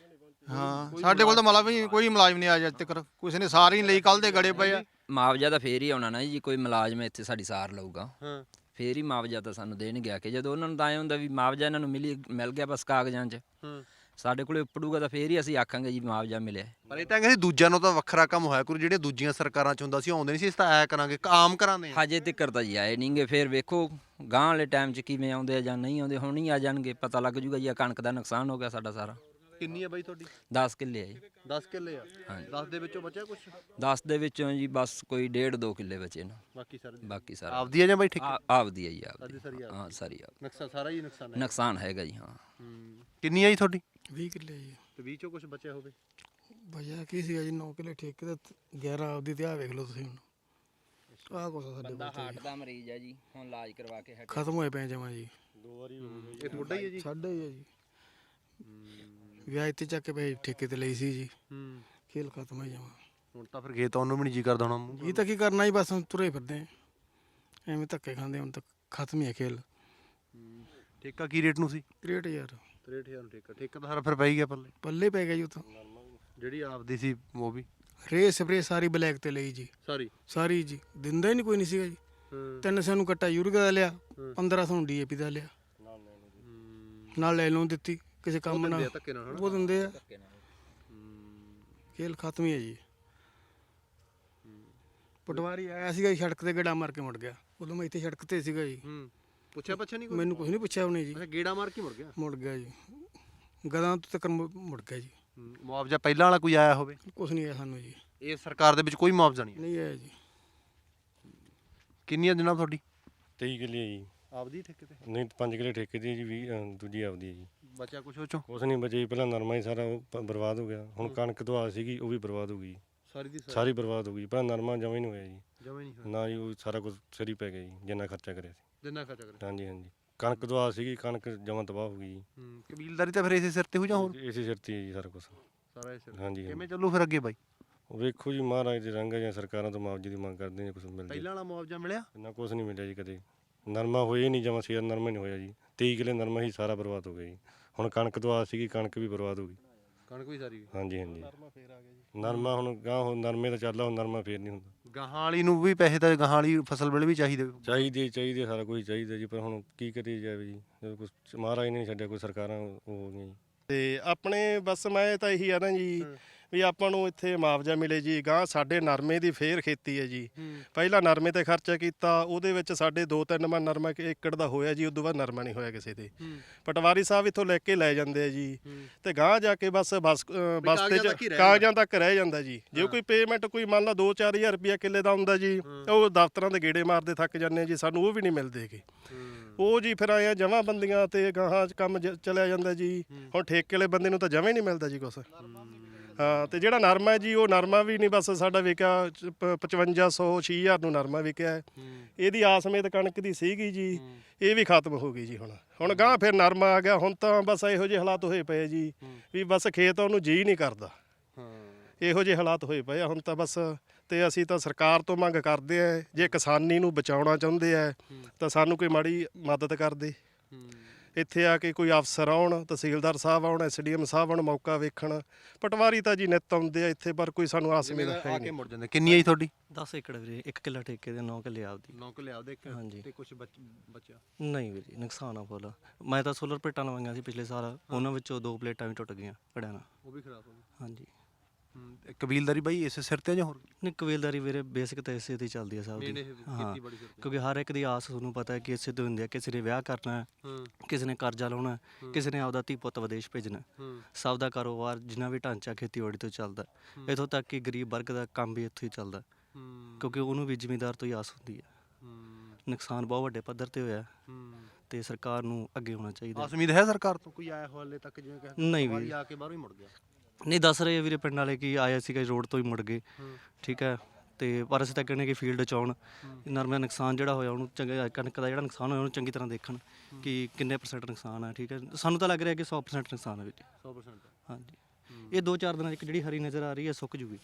J: ਹਾਂ ਸਾਡੇ ਕੋਲ ਤਾਂ ਮਤਲਬ ਵੀ ਕੋਈ ਮੁਲਾਜ਼ਮ ਨਹੀਂ ਆਇਆ ਅੱਜ ਤੱਕ ਕਿਸੇ ਨੇ ਸਾਰ ਹੀ ਨਹੀਂ ਲਈ ਕੱਲ ਦੇ ਗੜੇ ਪਏ ਆ
H: ਮੁਆਵਜ਼ਾ ਤਾਂ ਫੇਰ ਹੀ ਆਉਣਾ ਨਾ ਜੀ ਕੋਈ ਮੁਲਾਜ਼ਮ ਇੱਥੇ ਸਾਡੀ ਸਾਰ ਲਊਗਾ ਫੇਰ ਹੀ ਮੁਆਵਜ਼ਾ ਤਾਂ ਸਾਨੂੰ ਦੇਣ ਗਿਆ ਕਿ ਜਦੋਂ ਉਹਨਾਂ ਨੂੰ ਤਾਂ ਐਂ ਹੁੰਦਾ ਵੀ ਮੁਆਵਜ਼ਾ ਇਹਨਾਂ ਨੂੰ ਮਿਲੀ ਮਿਲ ਗਿਆ ਬਸ ਕਾਗਜ਼ਾਂ 'ਚ ਸਾਡੇ ਕੋਲੇ ਉੱਪੜੂਗਾ ਤਾਂ ਫੇਰ ਹੀ ਅਸੀਂ ਆਖਾਂਗੇ ਜੀ ਮੁਆਵਜ਼ਾ ਮਿਲਿਆ
C: ਪਰ ਇਹ ਤਾਂ ਕਹਿੰਦੇ ਦੂਜਿਆਂ ਨੂੰ ਤਾਂ ਵੱਖਰਾ ਕੰਮ ਹੋਇਆ ਕਰੂ ਜਿਹੜੇ ਦੂਜੀਆਂ ਸਰਕਾਰਾਂ 'ਚ ਹੁੰਦਾ ਸੀ ਆਉਂਦੇ ਨਹੀਂ ਸੀ ਇਸ ਤਾਂ ਆਇਆ ਕਰਾਂਗੇ ਆਮ ਕਰਾਂਦੇ
H: ਹਜੇ ਤੱਕ ਤਾਂ ਜੀ ਆਏ ਨਹੀਂਗੇ ਫੇਰ ਵੇਖੋ ਗਾਂ ਵਾਲੇ ਟਾਈਮ 'ਚ ਕਿਵੇਂ ਆਉਂਦੇ ਆ ਜਾਂ ਨਹੀਂ ਆਉਂਦੇ ਹੁਣ ਹੀ ਆ ਜਾਣਗੇ ਪਤਾ ਲੱਗ ਜੂਗਾ ਜੀ ਆ ਕਣਕ ਦਾ ਨੁਕਸਾਨ ਹੋ ਗਿਆ ਸਾਡਾ ਸਾਰਾ
C: ਕਿੰਨੀ ਆ ਬਾਈ ਤੁਹਾਡੀ
H: ਦਸ ਕਿੱਲੇ ਆ ਜੀ
C: ਦਸ ਕਿੱਲੇ ਆ ਦਸ ਦੇ ਵਿੱਚੋਂ ਬਚਿਆ ਕੁਛ
H: ਦਸ ਦੇ ਵਿੱਚੋਂ ਜੀ ਬਸ ਕੋਈ ਡੇਢ ਦੋ ਕਿੱਲੇ ਬਚੇ ਨੇ
C: ਬਾਕੀ ਸਾਰੇ
H: ਬਾਕੀ ਸਾਰਾ
C: ਆਪਦੀ ਆ ਜਾਂ ਬਾਈ ਠੇਕੇ
H: ਆਪਦੀ ਆ ਜੀ ਆਪਦੀ ਹਾਂ ਸਾਰੀ ਆਪ
C: ਨੁਕਸਾਨ ਸਾਰਾ ਹੀ ਨੁਕਸਾਨ ਹੈ
H: ਨੁਕਸਾਨ ਹੈਗਾ ਜੀ ਹਾਂ
C: ਕਿੰਨੀ ਆ ਜੀ ਤੁਹਾਡੀ
D: ਵੀਹ ਕਿੱਲੇ ਜੀ
C: ਤੇ ਵੀਹ ਚੋਂ ਕੁਝ ਬਚਿਆ ਹੋਵੇ
D: ਬਚਿਆ ਕੀ ਸੀਗਾ ਜੀ ਨੌ ਕਿੱਲੇ ਠੇਕੇ ਤੇ ਗਿਆਰਾਂ ਆਪਦੀ ਤੇ ਆ ਵੇਖ ਲਓ ਤੁਸੀਂ ਹੁਣ ਆਹ ਕੁਛ ਸਾਡੇ
H: ਬੰਦਾ ਹਾਰਟ ਦਾ ਮਰੀਜ਼ ਹੈ ਜੀ ਹੁਣ ਇਲਾਜ ਕਰਵਾ ਕੇ
D: ਖਤਮ ਹੋਏ ਪਏ ਜਮਾਂ ਜੀ
C: ਦੋ ਵਾਰੀ ਹੋ ਗਏ ਇਹ ਤੁਹਾਡਾ ਹੀ ਹੈ ਜੀ
D: ਸਾਡਾ ਹੀ ਹੈ ਜੀ ਵਿਆਹ ਇੱਥੇ ਚੱਕ ਕੇ ਪਏ ਠੇਕੇ ਤੇ ਲਈ ਸੀ ਜੀ
C: ਹੂੰ
D: ਖੇਲ ਖਤਮ ਹੋ ਜਾਵਾਂ
C: ਹੁਣ ਤਾਂ ਫਿਰ ਖੇਤ ਉਹਨੂੰ ਵੀ ਨਹੀਂ ਜੀ ਕਰਦਾ ਹੋਣਾ
D: ਇਹ ਤਾਂ ਕੀ ਕਰਨਾ ਜੀ ਬਸ ਹੁਣ ਤੁਰੇ ਫਿਰਦੇ ਐਵੇਂ ਧੱਕੇ ਖਾਂਦੇ ਹੁਣ ਤਾਂ ਖਤਮ ਹੀ ਹੈ ਖੇਲ
C: ਠੇਕਾ ਕੀ ਰੇਟ ਨੂੰ ਸੀ?
D: ਤਰੇਹਠ ਹਜ਼ਾਰ
C: ਤਰੇਹਠ ਹਜ਼ਾਰ ਨੂੰ ਠੇਕਾ ਠੇਕਾ ਤਾਂ ਸਾਰਾ ਫਿਰ ਪੈ ਹੀ ਗਿਆ ਪੱਲੇ।
D: ਪੱਲੇ ਪੈ ਗਿਆ ਜੀ ਉਹ ਤਾਂ।
C: ਜਿਹੜੀ ਆਪਦੀ ਸੀ ਉਹ ਵੀ
D: ਰੇ ਸਪਰੇ ਸਾਰੀ ਬਲੈਕ ਤੇ ਲਈ ਜੀ,
C: ਸਾਰੀ
D: ਸਾਰੀ ਜੀ, ਦਿੰਦਾ ਹੀ ਨਹੀਂ ਕੋਈ ਨਹੀਂ ਸੀਗਾ ਜੀ। ਤਿੰਨ ਸੌ ਨੂੰ ਕੱਟਾ ਯੂਰੀਆ ਦਾ ਲਿਆ, ਪੰਦਰਾਂ ਸੌ ਨੂੰ ਡੀਏਪੀ ਦਾ ਲਿਆ, ਨਾਲ ਲੈ ਲੋਨ ਦਿੱਤੀ ਕਿਸੇ ਕੰਮ ਨਾਲ,
C: ਧੱਕੇ ਨਾਲ
D: ਉਹ ਦਿੰਦੇ ਆ। ਖੇਲ ਖਤਮ ਹੀ ਹੈ ਜੀ। ਪਟਵਾਰੀ ਆਇਆ ਸੀਗਾ ਜੀ, ਸੜਕ ਤੇ ਗੇੜਾ ਮਾਰ ਕੇ ਮੁੜ ਗਿਆ। ਉਦੋਂ ਮੈਂ ਇੱਥੇ ਸੜਕ ਤੇ ਸੀਗਾ ਜੀ।
C: ਪੁੱਛਿਆ ਪੁੱਛਿਆ ਨਹੀਂ
D: ਮੈਨੂੰ ਕੁਝ ਨਹੀਂ ਪੁੱਛਿਆ ਉਹਨੇ ਜੀ।
C: ਅੱਛਾ ਗੇੜਾ ਮਾਰ ਕੇ ਮੁੜ ਗਿਆ।
D: ਮੁੜ ਗਿਆ ਜੀ, ਗਦਾਂ ਤੋਂ ਤੱਕ ਮੁ- ਮੁੜ ਗਿਆ ਜੀ।
C: ਮੁਆਵਜ਼ਾ ਪਹਿਲਾਂ ਵਾਲਾ ਕੋਈ ਆਇਆ ਹੋਵੇ?
D: ਕੁਛ ਨਹੀਂ ਆਇਆ ਸਾਨੂੰ ਜੀ।
C: ਇਹ ਸਰਕਾਰ ਦੇ ਵਿੱਚ ਕੋਈ ਮੁਆਵਜ਼ਾ ਨਹੀਂ?
D: ਨਹੀਂ ਆਇਆ ਜੀ।
C: ਕਿੰਨੀਆਂ ਜਨਾਬ ਤੁਹਾਡੀ?
E: ਤੇਈ ਕਿੱਲੇ ਜੀ।
C: ਆਪਦੀ ਠੇਕੇ ਤੇ?
E: ਨਹੀਂ ਪੰਜ ਕਿੱਲੇ ਠੇਕੇ ਦੀ ਜੀ, ਵੀਹ ਅ, ਦੂਜੀ ਆਪਦੀ ਹੈ ਜੀ।
C: ਬਚਿਆ ਕੁਛ ਉਹ ਚੋਂ?
E: ਕੁਛ ਨਹੀਂ ਬਚੇ ਜੀ, ਪਹਿਲਾਂ ਨਰਮਾ ਹੀ ਸਾਰਾ ਉਹ ਪ- ਬਰਬਾਦ ਹੋ ਗਿਆ। ਹੁਣ ਕਣਕ ਤੋਂ ਆ ਸੀਗੀ ਉਹ ਵੀ ਬਰਬਾਦ ਹੋ ਗਈ,
C: ਸਾਰੀ ਦੀ
E: ਸਾਰੀ ਬਰਬਾਦ ਹੋ ਗਈ। ਪਹਿਲਾਂ ਨਰਮਾ ਜਮਾਂ ਹੀ ਨਹੀਂ ਹੋਇਆ ਜੀ,
C: ਜਮਾ ਨਹੀਂ ਹੋਇਆ
E: ਨਾ ਜੀ, ਉਹ ਸਾਰਾ ਕੁਝ ਸਿਰ ਹੀ ਪੈ ਗਿਆ ਜੀ, ਜਿੰਨਾ ਖਰਚਾ ਕਰਿਆ ਸੀ।
C: ਜਿੰਨਾ ਖਰਚਾ ਕਰਿਆ।
E: ਹਾਂਜੀ ਹਾਂਜੀ, ਕਣਕ ਤੋਂ ਆ ਸੀਗੀ, ਕਣਕ ਜਮਾਂ ਤਬਾਹ ਹੋ ਗਈ ਜੀ।
C: ਹੂੰ ਕਬੀਲਦਾਰੀ ਤਾਂ ਫਿਰ ਇਸੇ ਸਿਰ ਤੇ ਹੋ ਜਾਂ ਹੋਰ?
E: ਇਸੇ ਸਿਰ ਤੇ ਹੀ ਜੀ ਸਾਰਾ ਕੁਝ।
C: ਸਾਰਾ ਇਸੇ
E: ਹਾਂਜੀ
C: ਕਿਵੇਂ ਚੱਲੂ ਫਿਰ ਅੱਗੇ ਬਾਈ?
E: ਵੇਖੋ ਜੀ, ਮਹਾਰਾਜ ਦੇ ਰੰਗ ਆ ਜਾਂ ਸਰਕਾਰਾਂ ਤੋਂ ਮੁਆਵਜ਼ੇ ਦੀ ਮੰਗ ਕਰਦੇ ਨੇ, ਕੁਝ ਮਿਲ ਜਾਏ।
C: ਪਹਿਲਾਂ ਵਾਲਾ ਮੁਆਵਜ਼ਾ ਮਿਲਿਆ?
E: ਇੰਨਾ ਕੁਝ ਨਹੀਂ ਮਿਲਿਆ ਜੀ ਕਦੇ। ਨਰਮਾ ਹੋਇਆ ਹੀ ਨਹੀਂ, ਜਮਾਂ ਸ਼ੇਰ ਨਰਮਾ ਨਹੀਂ ਹੋਇਆ ਜੀ। ਤੇਈ ਕਿੱਲੇ ਨਰਮਾ ਹੀ ਸਾਰਾ ਬਰਬਾਦ ਹੋ ਗਿਆ ਜੀ। ਹੁਣ ਕਣਕ ਤੋਂ ਆ ਸੀਗੀ, ਕਣਕ ਵੀ ਬਰਬਾਦ ਹੋ ਗਈ।
C: ਕਣਕ ਵੀ ਸਾਰੀ?
E: ਹਾਂਜੀ ਹਾਂਜੀ, ਨਰਮਾ ਹੁਣ ਗਾਂ ਹੁਣ ਨਰਮੇ ਦਾ ਚੱਲਦਾ, ਹੁਣ ਨਰਮਾ ਫੇਰ ਨਹੀਂ ਹੁੰਦਾ।
C: ਗਾਹਾਂ ਵਾਲੀ ਨੂੰ ਵੀ ਪੈਸੇ ਤਾਂ ਗਾਹਾਂ ਵਾਲੀ ਫਸਲ ਵੇਲੇ ਵੀ ਚਾਹੀਦੇ?
E: ਚਾਹੀਦੇ ਚਾਹੀਦੇ ਸਾਰਾ ਕੁਝ ਚਾਹੀਦਾ ਜੀ, ਪਰ ਹੁਣ ਕੀ ਕਰੀ ਜਾਵੇ ਜੀ, ਜਦੋਂ ਕੁਛ ਮਹਾਰਾਜ ਨੇ ਨਹੀਂ ਛੱਡਿਆ, ਕੋਈ ਸਰਕਾਰਾਂ ਉਹ ਹੋ ਗਈਆਂ ਜੀ।
F: ਤੇ ਆਪਣੇ ਬਸ ਮੈਂ ਤਾਂ ਇਹੀ ਆ ਨਾ ਜੀ ਵੀ ਆਪਾਂ ਨੂੰ ਇੱਥੇ ਮੁਆਵਜ਼ਾ ਮਿਲੇ ਜੀ। ਗਾਂ ਸਾਡੇ ਨਰਮੇ ਦੀ ਫੇਰ ਖੇਤੀ ਹੈ ਜੀ। ਪਹਿਲਾਂ ਨਰਮੇ ਤੇ ਖਰਚਾ ਕੀਤਾ, ਉਹਦੇ ਵਿੱਚ ਸਾਡੇ ਦੋ ਤਿੰਨ ਮਣ ਨਰਮਾ ਏਕੜ ਦਾ ਹੋਇਆ ਜੀ, ਉਦੋਂ ਬਾਅਦ ਨਰਮਾ ਨਹੀਂ ਹੋਇਆ ਕਿਸੇ ਦੇ। ਪਟਵਾਰੀ ਸਾਹਿਬ ਇੱਥੋਂ ਲੈ ਕੇ ਲੈ ਜਾਂਦੇ ਆ ਜੀ, ਤੇ ਗਾਂ ਜਾ ਕੇ ਬਸ ਬਸ ਅ, ਬਸਤੇ ਚ ਕਾਗਜ਼ਾਂ ਤੱਕ ਰਹਿ ਜਾਂਦਾ ਜੀ। ਜੇ ਕੋਈ ਪੇਮੈਂਟ ਕੋਈ ਮੰਨ ਲਾ ਦੋ ਚਾਰ ਹਜ਼ਾਰ ਰੁਪਇਆ ਕਿੱਲੇ ਦਾ ਹੁੰਦਾ ਜੀ, ਉਹ ਦਫ਼ਤਰਾਂ ਦੇ ਗੇੜੇ ਮਾਰਦੇ ਥੱਕ ਜਾਂਦੇ ਆ ਜੀ, ਸਾਨੂੰ ਉਹ ਵੀ ਨਹੀਂ ਮਿਲਦੇ ਗੇ। ਉਹ ਜੀ ਫਿਰ ਆਏ ਜਮਾਂ ਬੰਦੀਆਂ ਤੇ ਗਾਹਾਂ ਚ ਕੰਮ ਜ- ਚਲਿਆ ਜਾਂਦਾ ਜੀ। ਹੁਣ ਠੇਕੇ ਵਾਲੇ ਬੰਦੇ ਨੂੰ ਤਾਂ ਜਮਾਂ ਹੀ ਨਹੀਂ ਮਿਲਦਾ ਜੀ ਕੁਛ। ਹਾਂ, ਤੇ ਜਿਹੜਾ ਨਰਮਾ ਹੈ ਜੀ, ਉਹ ਨਰਮਾ ਵੀ ਨਹੀਂ ਬਸ ਸਾਡਾ ਵਿਕਿਆ ਪ- ਪਚਵੰਜਾ ਸੌ ਛੇ ਹਜ਼ਾਰ ਨੂੰ ਨਰਮਾ ਵਿਕਿਆ ਹੈ। ਇਹਦੀ ਆਸਮੇਤ ਕਣਕ ਦੀ ਸੀਗੀ ਜੀ, ਇਹ ਵੀ ਖਤਮ ਹੋ ਗਈ ਜੀ। ਹੁਣ ਹੁਣ ਗਾਂ ਫਿਰ ਨਰਮਾ ਆ ਗਿਆ। ਹੁਣ ਤਾਂ ਬਸ ਇਹੋ ਜਿਹੇ ਹਾਲਾਤ ਹੋਏ ਪਏ ਜੀ ਵੀ ਬਸ ਖੇਤ ਉਹਨੂੰ ਜੀ ਨਹੀਂ ਕਰਦਾ। ਇਹੋ ਜਿਹੇ ਹਾਲਾਤ ਹੋਏ ਪਏ ਆ ਹੁਣ ਤਾਂ ਬਸ। ਤੇ ਅਸੀਂ ਤਾਂ ਸਰਕਾਰ ਤੋਂ ਮੰਗ ਕਰਦੇ ਆ, ਜੇ ਕਿਸਾਨੀ ਨੂੰ ਬਚਾਉਣਾ ਚਾਹੁੰਦੇ ਆ ਤਾਂ ਸਾਨੂੰ ਕੋਈ ਮਾੜੀ ਮਦਦ ਕਰਦੇ। ਇੱਥੇ ਆ ਕੇ ਕੋਈ ਅਫਸਰ ਆਉਣ, ਤਹਿਸੀਲਦਾਰ ਸਾਹਿਬ ਆਉਣ, ਐਸਡੀਐਮ ਸਾਹਿਬ ਆਉਣ, ਮੌਕਾ ਵੇਖਣ। ਪਟਵਾਰੀ ਤਾਂ ਜੀ ਨਿੱਤ ਆਉਂਦੇ ਆ ਇੱਥੇ, ਪਰ ਕੋਈ ਸਾਨੂੰ ਆਸ ਉਮੀਦ ਹੈ ਨਹੀਂ।
C: ਮੁੜ ਜਾਂਦੇ। ਕਿੰਨੀ ਆਈ ਤੁਹਾਡੀ?
G: ਦਸ ਏਕੜ ਵੀਰੇ, ਇੱਕ ਕਿੱਲਾ ਠੇਕੇ ਦੇ, ਨੌ ਕਿੱਲੇ ਆਪਦੀ।
C: ਨੌ ਕਿੱਲੇ ਆਪਦੇ?
G: ਹਾਂਜੀ।
C: ਤੇ ਕੁਝ ਬਚਿਆ?
G: ਨਹੀਂ ਵੀਰੇ, ਨੁਕਸਾਨ ਆ ਫੁੱਲ। ਮੈਂ ਤਾਂ ਸੋਲਰ ਪਲੇਟਾਂ ਲਵਾਈਆਂ ਸੀ ਪਿਛਲੇ ਸਾਲ, ਉਹਨਾਂ ਵਿੱਚੋਂ ਦੋ ਪਲੇਟਾਂ ਵੀ ਟੁੱਟ ਗਈਆਂ ਘੜਿਆਂ ਨਾਲ।
C: ਉਹ ਵੀ ਖਰਾਬ ਹੋ ਗਈ?
G: ਹਾਂਜੀ।
C: ਕਬੀਲਦਾਰੀ ਬਾਈ ਇਸੇ ਸਿਰ ਤੇ ਜਾਂ ਹੋਰ?
G: ਨਹੀਂ, ਕਬੀਲਦਾਰੀ ਵੀਰੇ ਬੇਸਿਕ ਤਾਂ ਇਸੇ ਤੇ ਹੀ ਚੱਲਦੀ ਆ ਸਭ ਦੀ। ਹਾਂ, ਕਿਉਂਕਿ ਹਰ ਇੱਕ ਦੀ ਆਸ ਤੁਹਾਨੂੰ ਪਤਾ ਹੈ ਕਿ ਇਸੇ ਤੋਂ ਹੁੰਦੀ ਹੈ। ਕਿਸੇ ਨੇ ਵਿਆਹ ਕਰਨਾ ਹੈ, ਕਿਸੇ ਨੇ ਕਰਜ਼ਾ ਲਾਉਣਾ, ਕਿਸੇ ਨੇ ਆਪਦਾ ਧੀ ਪੁੱਤ ਵਿਦੇਸ਼ ਭੇਜਣਾ। ਸਭ ਦਾ ਕਾਰੋਬਾਰ ਜਿੰਨਾ ਵੀ ਢਾਂਚਾ ਖੇਤੀਬਾੜੀ ਤੋਂ ਚੱਲਦਾ, ਇੱਥੋਂ ਤੱਕ ਕਿ ਗਰੀਬ ਵਰਗ ਦਾ ਕੰਮ ਵੀ ਇੱਥੋਂ ਹੀ ਚੱਲਦਾ, ਕਿਉਂਕਿ ਉਹਨੂੰ ਵੀ ਜ਼ਿਮੀਂਦਾਰ ਤੋਂ ਹੀ ਆਸ ਹੁੰਦੀ ਹੈ। ਨੁਕਸਾਨ ਬਹੁਤ ਵੱਡੇ ਪੱਧਰ ਤੇ ਹੋਇਆ, ਤੇ ਸਰਕਾਰ ਨੂੰ ਅੱਗੇ ਹੋਣਾ ਚਾਹੀਦਾ।
C: ਆਸ ਉਮੀਦ ਹੈ ਸਰਕਾਰ ਤੋਂ? ਕੋਈ ਆਇਆ ਹਾਲੇ ਤੱਕ ਜਿਵੇਂ ਕਿ
G: ਨਹੀਂ ਵੀਰੇ,
C: ਆ ਕੇ ਬਾਹਰੋਂ ਹੀ ਮੁੜ ਗਿਆ?
G: ਨਹੀਂ, ਦੱਸ ਰਹੇ ਵੀਰੇ ਪਿੰਡ ਵਾਲੇ ਕਿ ਆਇਆ ਸੀਗਾ ਰੋਡ ਤੋਂ ਹੀ ਮੁੜ ਗਏ। ਠੀਕ ਹੈ, ਤੇ ਪਰ ਅਸੀਂ ਤਾਂ ਕਹਿੰਦੇ ਕਿ ਫੀਲਡ 'ਚ ਆਉਣ, ਨਰਮੇ ਦਾ ਨੁਕਸਾਨ ਜਿਹੜਾ ਹੋਇਆ ਉਹਨੂੰ ਚੰਗਾ, ਕਣਕ ਦਾ ਜਿਹੜਾ ਨੁਕਸਾਨ ਹੋਇਆ ਉਹਨੂੰ ਚੰਗੀ ਤਰ੍ਹਾਂ ਦੇਖਣ ਕਿ ਕਿੰਨੇ ਪਰਸੈਂਟ ਨੁਕਸਾਨ ਹੈ। ਠੀਕ ਹੈ, ਸਾਨੂੰ ਤਾਂ ਲੱਗ ਰਿਹਾ ਕਿ ਸੌ ਪਰਸੈਂਟ ਨੁਕਸਾਨ ਹੈ ਵੀਰੇ।
C: ਸੌ ਪਰਸੈਂਟ?
G: ਹਾਂਜੀ। ਇਹ ਦੋ ਚਾਰ ਦਿਨਾਂ 'ਚ ਜਿਹੜੀ ਹਰੀ ਨਜ਼ਰ ਆ ਰਹੀ ਹੈ ਸੁੱਕ ਜੂਗੀ।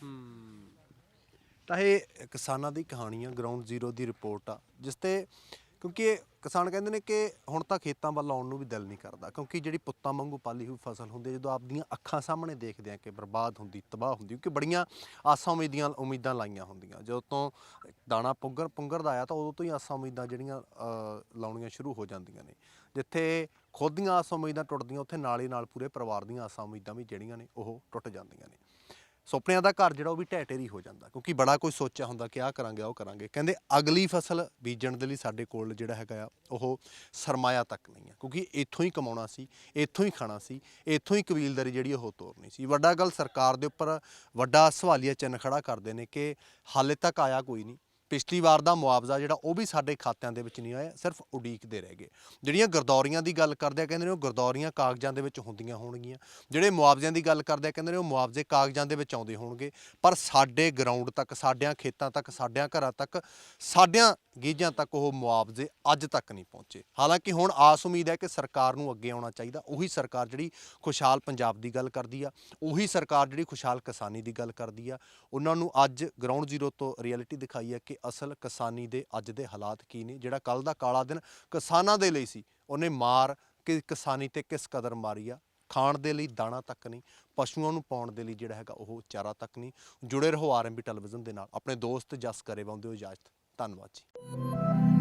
C: ਤਾਂ ਇਹ ਕਿਸਾਨਾਂ ਦੀ ਕਹਾਣੀ ਆ, ਗਰਾਊਂਡ ਜ਼ੀਰੋ ਦੀ ਰਿਪੋਰਟ ਆ, ਜਿਸ ਤੇ ਕਿਉਂਕਿ ਕਿਸਾਨ ਕਹਿੰਦੇ ਨੇ ਕਿ ਹੁਣ ਤਾਂ ਖੇਤਾਂ ਵੱਲ ਆਉਣ ਨੂੰ ਵੀ ਦਿਲ ਨਹੀਂ ਕਰਦਾ, ਕਿਉਂਕਿ ਜਿਹੜੀ ਪੁੱਤਾਂ ਵਾਂਗੂ ਪਾਲੀ ਹੋਈ ਫਸਲ ਹੁੰਦੀ ਹੈ, ਜਦੋਂ ਆਪਦੀਆਂ ਅੱਖਾਂ ਸਾਹਮਣੇ ਦੇਖਦੇ ਆ ਕਿ ਬਰਬਾਦ ਹੁੰਦੀ, ਤਬਾਹ ਹੁੰਦੀ, ਕਿਉਂਕਿ ਬੜੀਆਂ ਆਸਾਂ ਉਮੀਦੀਆਂ ਉਮੀਦਾਂ ਲਾਈਆਂ ਹੁੰਦੀਆਂ। ਜਦੋਂ ਤੋਂ ਦਾਣਾ ਪੁੰਗਰ ਪੁੰਗਰ ਦਾ ਆਇਆ ਤਾਂ ਉਦੋਂ ਤੋਂ ਹੀ ਆਸਾਂ ਉਮੀਦਾਂ ਜਿਹੜੀਆਂ ਲਾਉਣੀਆਂ ਸ਼ੁਰੂ ਹੋ ਜਾਂਦੀਆਂ ਨੇ। ਜਿੱਥੇ ਖੁਦ ਦੀਆਂ ਆਸਾਂ ਉਮੀਦਾਂ ਟੁੱਟਦੀਆਂ, ਉੱਥੇ ਨਾਲ ਹੀ ਨਾਲ ਪੂਰੇ ਪਰਿਵਾਰ ਦੀਆਂ ਆਸਾਂ ਉਮੀਦਾਂ ਵੀ ਜਿਹੜੀਆਂ ਨੇ ਉਹ ਟੁੱਟ ਜਾਂਦੀਆਂ ਨੇ। ਸੁਪਨਿਆਂ ਦਾ ਘਰ ਜਿਹੜਾ ਉਹ ਵੀ ਢਹਿ ਢੇਰੀ ਹੋ ਜਾਂਦਾ, ਕਿਉਂਕਿ ਬੜਾ ਕੁਝ ਸੋਚਿਆ ਹੁੰਦਾ ਕਿ ਆਹ ਕਰਾਂਗੇ ਉਹ ਕਰਾਂਗੇ। ਕਹਿੰਦੇ ਅਗਲੀ ਫਸਲ ਬੀਜਣ ਦੇ ਲਈ ਸਾਡੇ ਕੋਲ ਜਿਹੜਾ ਹੈਗਾ ਆ ਉਹ ਸਰਮਾਇਆ ਤੱਕ ਨਹੀਂ ਹੈ, ਕਿਉਂਕਿ ਇੱਥੋਂ ਹੀ ਕਮਾਉਣਾ ਸੀ, ਇੱਥੋਂ ਹੀ ਖਾਣਾ ਸੀ, ਇੱਥੋਂ ਹੀ ਕਬੀਲਦਾਰੀ ਜਿਹੜੀ ਉਹ ਤੋਰਨੀ ਸੀ। ਵੱਡਾ ਗੱਲ ਸਰਕਾਰ ਦੇ ਉੱਪਰ ਵੱਡਾ ਸਵਾਲੀਆ ਚਿੰਨ੍ਹ ਖੜਾ ਕਰਦੇ ਨੇ ਕਿ ਹਾਲੇ ਤੱਕ ਆਇਆ ਕੋਈ ਨਹੀਂ। ਪਿਛਲੀ ਵਾਰ ਦਾ ਮੁਆਵਜ਼ਾ ਜਿਹੜਾ ਉਹ ਵੀ ਸਾਡੇ ਖਾਤਿਆਂ ਦੇ ਵਿੱਚ ਨਹੀਂ ਆਇਆ, ਸਿਰਫ ਉਡੀਕਦੇ ਰਹਿ ਗਏ। ਜਿਹੜੀਆਂ ਗਰਦੌਰੀਆਂ ਦੀ ਗੱਲ ਕਰਦੇ ਆ, ਕਹਿੰਦੇ ਨੇ ਉਹ ਗਰਦੌਰੀਆਂ ਕਾਗਜ਼ਾਂ ਦੇ ਵਿੱਚ ਹੁੰਦੀਆਂ ਹੋਣਗੀਆਂ। ਜਿਹੜੇ ਮੁਆਵਜ਼ਿਆਂ ਦੀ ਗੱਲ ਕਰਦੇ ਆ, ਕਹਿੰਦੇ ਨੇ ਉਹ ਮੁਆਵਜ਼ੇ ਕਾਗਜ਼ਾਂ ਦੇ ਵਿੱਚ ਆਉਂਦੇ ਹੋਣਗੇ, ਪਰ ਸਾਡੇ ਗਰਾਊਂਡ ਤੱਕ, ਸਾਡਿਆਂ ਖੇਤਾਂ ਤੱਕ, ਸਾਡਿਆਂ ਘਰਾਂ ਤੱਕ, ਸਾਡਿਆਂ ਗੀਝਾਂ ਤੱਕ ਉਹ ਮੁਆਵਜ਼ੇ ਅੱਜ ਤੱਕ ਨਹੀਂ ਪਹੁੰਚੇ। ਹਾਲਾਂਕਿ ਹੁਣ ਆਸ ਉਮੀਦ ਹੈ ਕਿ ਸਰਕਾਰ ਨੂੰ ਅੱਗੇ ਆਉਣਾ ਚਾਹੀਦਾ। ਉਹੀ ਸਰਕਾਰ ਜਿਹੜੀ ਖੁਸ਼ਹਾਲ ਪੰਜਾਬ ਦੀ ਗੱਲ ਕਰਦੀ ਆ, ਉਹੀ ਸਰਕਾਰ ਜਿਹੜੀ ਖੁਸ਼ਹਾਲ ਕਿਸਾਨੀ ਦੀ ਗੱਲ ਕਰਦੀ ਆ, ਉਹਨਾਂ ਨੂੰ ਅੱਜ ਗਰਾਊਂਡ ਜ਼ੀਰੋ ਤੋਂ ਰਿਐਲਿਟੀ ਦਿਖਾਈ ਹੈ ਕਿ ਅਸਲ ਕਿਸਾਨੀ ਦੇ ਅੱਜ ਦੇ ਹਾਲਾਤ ਕੀ ਨੇ। ਜਿਹੜਾ ਕੱਲ ਦਾ ਕਾਲਾ ਦਿਨ ਕਿਸਾਨਾਂ ਦੇ ਲਈ ਸੀ, ਉਹਨੇ ਮਾਰ ਕਿ ਕਿਸਾਨੀ ਤੇ ਕਿਸ ਕਦਰ ਮਾਰੀ ਆ। ਖਾਣ ਦੇ ਲਈ ਦਾਣਾ ਤੱਕ ਨਹੀਂ, ਪਸ਼ੂਆਂ ਨੂੰ ਪਾਉਣ ਦੇ ਲਈ ਜਿਹੜਾ ਹੈਗਾ ਉਹ ਚਾਰਾ ਤੱਕ ਨਹੀਂ। ਜੁੜੇ ਰਹੋ ਆਰ ਐਮ ਬੀ ਟੈਲੀਵਿਜ਼ਨ ਦੇ ਨਾਲ। ਆਪਣੇ ਦੋਸਤ ਜਸ ਕਰੇਵਾਲ ਦਿਓ ਇਜਾਜ਼ਤ। ਧੰਨਵਾਦ ਜੀ।